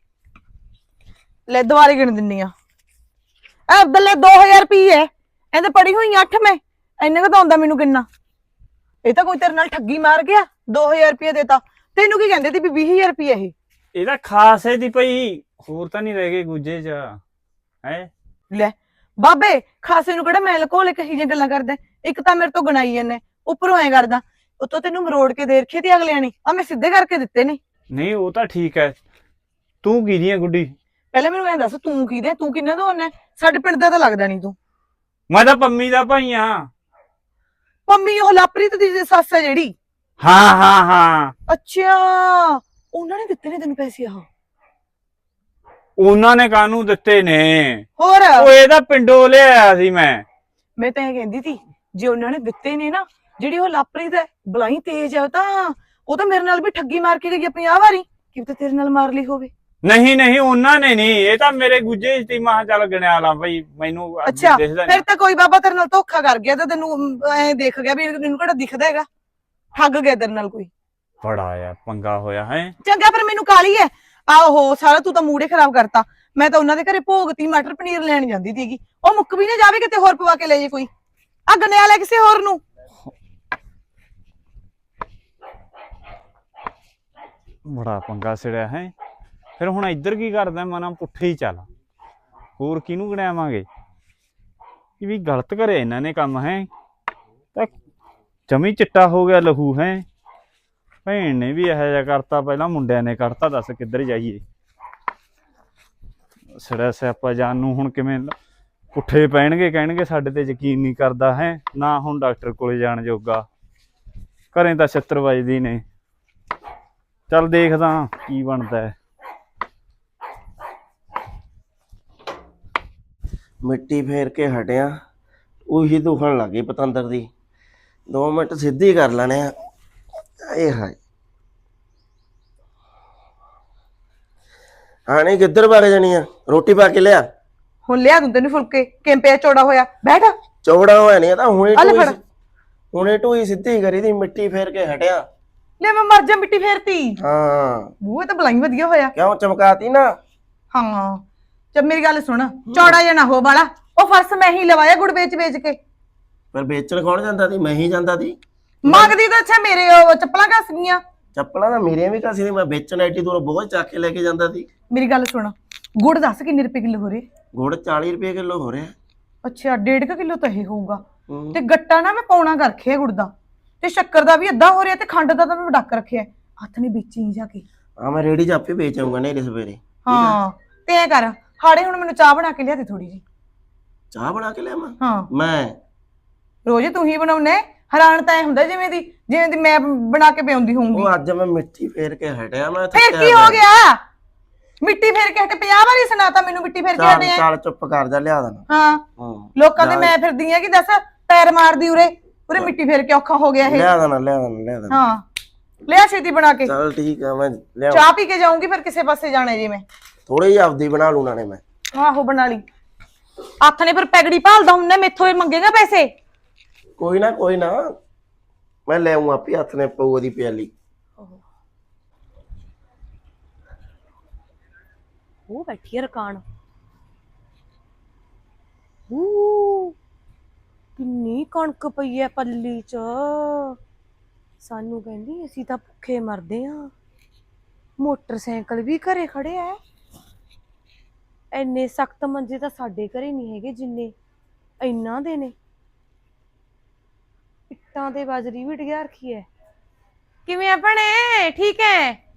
ਲੈ ਦੁਬਾਰੇ ਗਿਣ ਦਿੰਨੀ ਆ। ਐ ਬੱਲੇ 2,000 ਰੁਪਏ ਇਹਦੇ ਪੜੀ ਹੋਈ 8 ਮੈਂ, ਇੰਨੇ ਕਾ ਆਉਂਦਾ ਮੈਨੂੰ ਕਿੰਨਾ? ਇਹ ਤਾਂ ਕੋਈ ਤੇਰੇ ਨਾਲ ਠੱਗੀ ਮਾਰ ਗਿਆ, 2,000 ਰੁਪਏ ਦੇਤਾ। ਤੈਨੂੰ ਕੀ ਕਹਿੰਦੇ ਤੀ ਵੀ 20,000 ਰੁਪਏ ਇਹ?
ਇਹਦਾ ਖਾਸ ਹੈ ਦੀ ਭਾਈ, ਹੋਰ ਤਾਂ ਨਹੀਂ ਰਹਿ ਗਏ ਗੁੱਜੇ ਚ ਹੈ।
ਲੈ ਬਾਬੇ, ਖਾਸੇ ਨੂੰ ਕਿਹੜਾ ਮੈਂ ਲਕੋਲੇ ਕਹੀ ਜਿਹੀਆਂ ਗੱਲਾਂ ਕਰਦਾ। ਇੱਕ ਤਾਂ ਮੇਰੇ ਤੋਂ ਗਣਾਈ ਜਾਂਦੇ, ਉੱਪਰੋਂ ਐ ਕਰਦਾ, ਉਤੋਂ ਤੈਨੂੰ ਮਰੋੜ ਕੇ ਦੇ ਰੱਖੇ ਤੇ ਅਗਲਿਆਂ ਨੇ, ਆ ਮੈਂ ਸਿੱਧੇ ਕਰਕੇ ਦਿੱਤੇ ਨੇ।
ਨਹੀਂ ਉਹ ਤਾਂ ਠੀਕ ਹੈ, ਤੂੰ ਕੀ ਦੀ ਗੁੱਡੀ?
ਪਹਿਲਾਂ ਮੈਨੂੰ ਐਂ ਦੱਸ, ਤੂੰ ਕੀ ਦੇ, ਤੂੰ ਕਿੰਨਾ ਦਾ ਹੋਣਾ? ਸਾਡੇ ਪਿੰਡ ਦਾ ਤਾਂ ਲੱਗਦਾ ਨਹੀਂ ਤੂੰ।
ਮੈਂ ਤਾਂ ਪੰਮੀ ਦਾ ਭਾਈ ਆ।
ਪੰਮੀ ਉਹ ਲਾਪਰੀਤ ਦੀ ਸੱਸ ਹੈ ਜਿਹੜੀ?
ਹਾਂ ਹਾਂ ਹਾਂ,
ਅੱਛਾ, ਉਹਨਾਂ ਨੇ ਦਿੱਤੇ ਨੇ ਤੈਨੂੰ ਪੈਸੇ? ਆਹ
ਉਹਨਾਂ ਨੇ ਕਾਹਨੂੰ ਦਿੱਤੇ ਨੇ?
ਹੋਰ
ਉਹ ਇਹਦਾ ਪਿੰਡੋਂ ਲਿਆਇਆ ਸੀ ਮੈਂ
ਤਾਂ ਇਹ ਕਹਿੰਦੀ ਸੀ, ਜੇ ਉਹਨਾਂ ਨੇ ਦਿੱਤੇ ਨੇ ਨਾ, ਜਿਹੜੀ ਉਹ ਲਾਪਰੀਤ ਹੈ ਬਲਾਈ ਤੇਜ਼ ਹੈ, ਉਹ ਤਾਂ ਮੇਰੇ ਨਾਲ ਵੀ ਠੱਗੀ ਮਾਰ ਕੇ ਗਈ 50 ਵਾਰੀ, ਕਿਤੇ ਤੇਰੇ ਨਾਲ ਮਾਰ ਲਈ ਹੋਵੇ।
ਨਹੀਂ ਉਹਨਾਂ ਨੇ ਨਹੀਂ, ਇਹ ਤਾਂ ਮੇਰੇ ਗੁੱਜੇ ਸੀ। ਮਾਂ ਚੱਲ ਗਣਿਆ ਲਾ ਭਾਈ, ਮੈਨੂੰ
ਅੱਛਾ
ਦਿਸਦਾ
ਫਿਰ ਤਾਂ ਕੋਈ ਬਾਬਾ ਤੇਰੇ ਨਾਲ ਧੋਖਾ ਕਰ ਗਿਆ, ਤਾਂ ਤੈਨੂੰ ਐ ਦੇਖ ਗਿਆ ਵੀ ਇਹਨੂੰ ਕਿਹੜਾ ਦਿਖਦਾ ਹੈਗਾ, ਠੱਗ ਗਿਆ ਤੇਰੇ ਨਾਲ ਕੋਈ।
ਬੜਾ ਆ ਪੰਗਾ ਹੋਇਆ ਹੈ।
ਚੰਗਾ ਫਿਰ ਮੈਨੂੰ ਕਾਲੀ ਹੈ, ਆਹੋ ਸਾਰਾ ਤੂੰ ਤਾਂ ਮੂਡ ਹੀ ਖਰਾਬ ਕਰਤਾ। ਮੈਂ ਤਾਂ ਉਹਨਾਂ ਦੇ ਘਰੇ ਭੋਗਤੀ ਮਟਰ ਪਨੀਰ ਲੈਣ ਜਾਂਦੀ ਸੀਗੀ, ਉਹ ਮੁੱਕ ਵੀ ਨਾ ਜਾਵੇ, ਕਿਤੇ ਹੋਰ ਪਵਾ ਕੇ ਲੈ ਜੇ ਕੋਈ। ਆ ਗੰਨਿਆ ਲੈ ਕਿਸੇ ਹੋਰ ਨੂੰ।
ਬੜਾ ਪੰਗਾ ਸਿੜਿਆ ਹੈ। ਫਿਰ ਹੁਣ ਇੱਧਰ ਕੀ ਕਰਦਾ, ਮਨਾ ਪੁੱਠੇ ਹੀ ਚੱਲ, ਹੋਰ ਕਿਹਨੂੰ ਗਣਾਵਾਂਗੇ? ਇਹ ਵੀ ਗਲਤ ਕਰਿਆ ਇਹਨਾਂ ਨੇ ਕੰਮ ਹੈ, ਤਾਂ ਜਮੀ ਚਿੱਟਾ ਹੋ ਗਿਆ ਲਹੂ ਹੈ। ਭੈਣ ਨੇ ਵੀ ਇਹੋ ਜਿਹਾ ਕਰਤਾ, ਪਹਿਲਾਂ ਮੁੰਡਿਆਂ ਨੇ ਕਰਤਾ, ਦੱਸ ਕਿੱਧਰ ਜਾਈਏ? ਸਿੜਾ ਸਿਆਪਾ ਜਾਨ ਨੂੰ ਹੁਣ ਕਿਵੇਂ ਪੁੱਠੇ ਪੈਣਗੇ, ਕਹਿਣਗੇ ਸਾਡੇ ਤੇ ਯਕੀਨ ਨਹੀਂ ਕਰਦਾ ਹੈ ਨਾ। ਹੁਣ ਡਾਕਟਰ ਕੋਲੇ ਜਾਣ ਜੋਗਾ, ਘਰੇ ਤਾਂ 76 ਵੱਜਦੀ ਨੇ। ਚੱਲ ਦੇਖਦਾ ਕੀ ਬਣਦਾ ਹੈ।
ਮਿੱਟੀ ਫੇਰ ਕੇ ਹਟਿਆ, ਉਹੀ ਦੁਖਣ ਲੱਗੀ ਪਤੰਦਰ ਦੀ। 2 ਮਿੰਟ ਸਿੱਧੀ ਕਰ ਲੈਣੇ ਆ। ਆਏ ਹਾਏ, ਆਣੇ ਕਿੱਧਰ ਵਗ ਜਾਣੀ ਆ? ਰੋਟੀ ਪਾ ਕੇ ਲਿਆ।
ਹੁਣ ਲਿਆ ਦੂੰ ਤੈਨੂੰ ਫੁਲਕੇ, ਕਿੰਪਿਆ ਚੌੜਾ ਹੋਇਆ ਬੈਠ।
ਚੌੜਾ ਹੋਇਆ ਨਹੀਂ ਤਾਂ
ਆ ਲੈ ਫੜ।
ਹੁਣੇ ਢੂਈ ਸਿੱਧੀ ਕਰੀ ਦੀ, ਮਿੱਟੀ ਫੇਰ ਕੇ ਹਟਿਆ।
ਲੈ ਮੈਂ ਮਰ ਜਾ, ਮਿੱਟੀ ਫੇਰਤੀ।
ਹਾਂ
ਬੂਹੇ ਤਾਂ ਬਲਾਈ ਵਧੀਆ ਹੋਇਆ।
ਕਿਉਂ ਚਮਕਾਤੀ ਨਾ?
ਹਾਂ ਜਦ ਮੇਰੀ ਗੱਲ ਸੁਣ, ਚੌੜਾ ਜਿਹਾ ਨਾ ਹੋ ਵਾਲਾ। ਉਹ ਫਰਸ਼ ਮੈਂ ਹੀ ਲਵਾਇਆ ਗੁੜ ਵੇਚ ਵੇਚ ਕੇ।
ਪਰ ਵੇਚਣ ਕੌਣ ਜਾਂਦਾ ਸੀ? ਮੈਂ ਹੀ ਜਾਂਦਾ ਸੀ।
ਮੰਗਦੀ ਤਾਂ ਅੱਛਾ ਮੇਰੇ ਉਹ ਚੱਪਲਾਂ ਘਸ ਗਈਆਂ।
ਚੱਪਲਾਂ ਤਾਂ ਮੇਰੀਆਂ ਵੀ ਘਸੀ ਨਹੀਂ, ਮੈਂ ਵੇਚਣ ਐਡੀ ਦੂਰੋਂ ਬਹੁਤ ਚੱਕ ਕੇ ਲੈ ਕੇ ਜਾਂਦਾ ਸੀ।
ਮੇਰੀ ਗੱਲ ਸੁਣ, ਗੁੜ ਦੱਸ ਕਿੰਨੇ ਰੁਪਏ ਕਿਲੋ ਹੋ ਰਹੇ?
ਗੁੜ 40 ਰੁਪਏ ਕਿਲੋ ਹੋ ਰਿਹਾ।
ਅੱਛਾ 1.5 ਕਿਲੋ ਤਾਂ ਇਹ ਹੋਊਗਾ।
ਹੂੰ।
ਤੇ ਗੱਟਾ ਨਾ ਮੈਂ ਪੌਣਾ ਕਰ ਰੱਖਿਆ ਗੁੜ ਦਾ, ਤੇ ਸ਼ੱਕਰ ਦਾ ਵੀ ਅੱਧਾ ਹੋ ਰਿਹਾ, ਤੇ ਖੰਡ ਦਾ ਤਾਂ ਮੈਂ ਡੱਕ ਰੱਖਿਆ। ਹੱਥ ਨੇ ਵੇਚੀ ਜਾ ਕੇ।
ਹਾਂ ਮੈਂ ਰੇੜੀ 'ਚ ਆਪੇ ਵੇਚ ਆਊਂਗਾ ਨੇਰੇ ਸਵੇਰੇ।
ਹਾਂ ਤੇ ਐ ਕਰ, ਹਾੜੇ ਹੁਣ ਮੈਨੂੰ ਚਾਹ ਬਣਾ ਕੇ ਲਿਆ ਦੇ ਥੋੜੀ ਜੀ।
ਚਾਹ ਬਣਾ ਕੇ ਲਿਆਵਾਂ?
ਹਾਂ
ਮੈਂ
ਰੋਜ਼ ਤੂੰ ਹੀ ਬਣਾਉਨੇ। ਹੈਰਾਨ ਤਾਂ ਐ ਹੁੰਦਾ ਜਿਵੇਂ ਦੀ ਮੈਂ ਬਣਾ ਕੇ ਪਿਆਉਂਦੀ ਹੋਊਂਗੀ।
ਉਹ ਅੱਜ ਮੈਂ ਮਿੱਟੀ ਫੇਰ ਕੇ ਹਟਿਆ। ਮੈਂ
ਫਿਰ ਕੀ ਹੋ ਗਿਆ? ਮਿੱਟੀ ਫੇਰ ਕੇ ਹਟੇ 50 ਵਾਰੀ ਸੁਣਾਤਾ ਮੈਨੂੰ ਮਿੱਟੀ ਫੇਰ ਕੇ
ਚੱਲ
ਹਟੇ ਆ।
ਚੱਲ ਚੁੱਪ ਕਰ ਜਾ, ਲਿਆ ਦੇਣਾ।
ਹਾਂ
ਹਾਂ
ਲੋਕਾਂ ਦੇ ਮੈਂ ਫਿਰਦੀ ਆ ਕਿ ਦੱਸ ਪੈਰ ਮਾਰਦੀ ਉਰੇ ਉਰੇ ਮਿੱਟੀ ਫੇਰ ਕੇ ਔਖਾ ਹੋ ਗਿਆ ਇਹ।
ਲਿਆ ਦੇਣਾ ਲਿਆ ਦੇਣਾ ਲਿਆ ਦੇਣਾ।
ਹਾਂ ਲਿਆ ਛੇਤੀ ਬਣਾ ਕੇ।
ਚੱਲ ਠੀਕ ਆ, ਮੈਂ ਲਿਆ।
ਚਾਹ ਪੀ ਕੇ ਜਾਊਂਗੀ ਫਿਰ ਕਿਸੇ ਪਾਸੇ ਜਾਣਾ ਜੇ ਮੈਂ।
ਥੋੜੀ ਜਿਹੀ ਆਪਦੀ ਬਣਾ ਲੂ ਨਾਲੇ ਮੈਂ।
ਆਹੋ ਬਣਾ ਲਈ। ਹੱਥ ਨੇ ਫਿਰ ਪੈਗੜੀ ਭਾਲਦਾ ਹੁੰਨੇ, ਮੈਥੋਂ ਇਹ ਮੰਗੇਗਾ ਪੈਸੇ?
ਕੋਈ ਨਾ ਮੈਂ ਲੈ ਆਊਂ ਆਪੇ। ਹੱਥ ਨੇ ਪਊ ਉਹਦੀ ਪਿਆਲੀ।
ਉਹ ਬੈਠੀ ਆ ਰਕਾਨ। ਕਿੰਨੀ ਕਣਕ ਪਈ ਐ ਪੱਲੀ ਚ। ਸਾਨੂੰ ਕਹਿੰਦੀ ਅਸੀਂ ਤਾਂ ਭੁੱਖੇ ਮਰਦੇ ਆ। ਮੋਟਰਸਾਈਕਲ ਵੀ ਘਰੇ ਖੜੇ ਐ। ਇੰਨੇ ਸਖਤ ਮੰਜੇ ਤਾਂ ਸਾਡੇ ਘਰੇ ਨਹੀਂ ਹੈਗੇ ਜਿੰਨੇ ਇਹਨਾਂ ਦੇ ਨੇ। ਇੱਟਾਂ ਤੇ ਬਾਜਰੀ ਵੀ ਡਿਆ ਰੱਖੀ ਐ। ਕਿਵੇਂ ਆ ਭੈਣੇ? ਠੀਕ ਐ?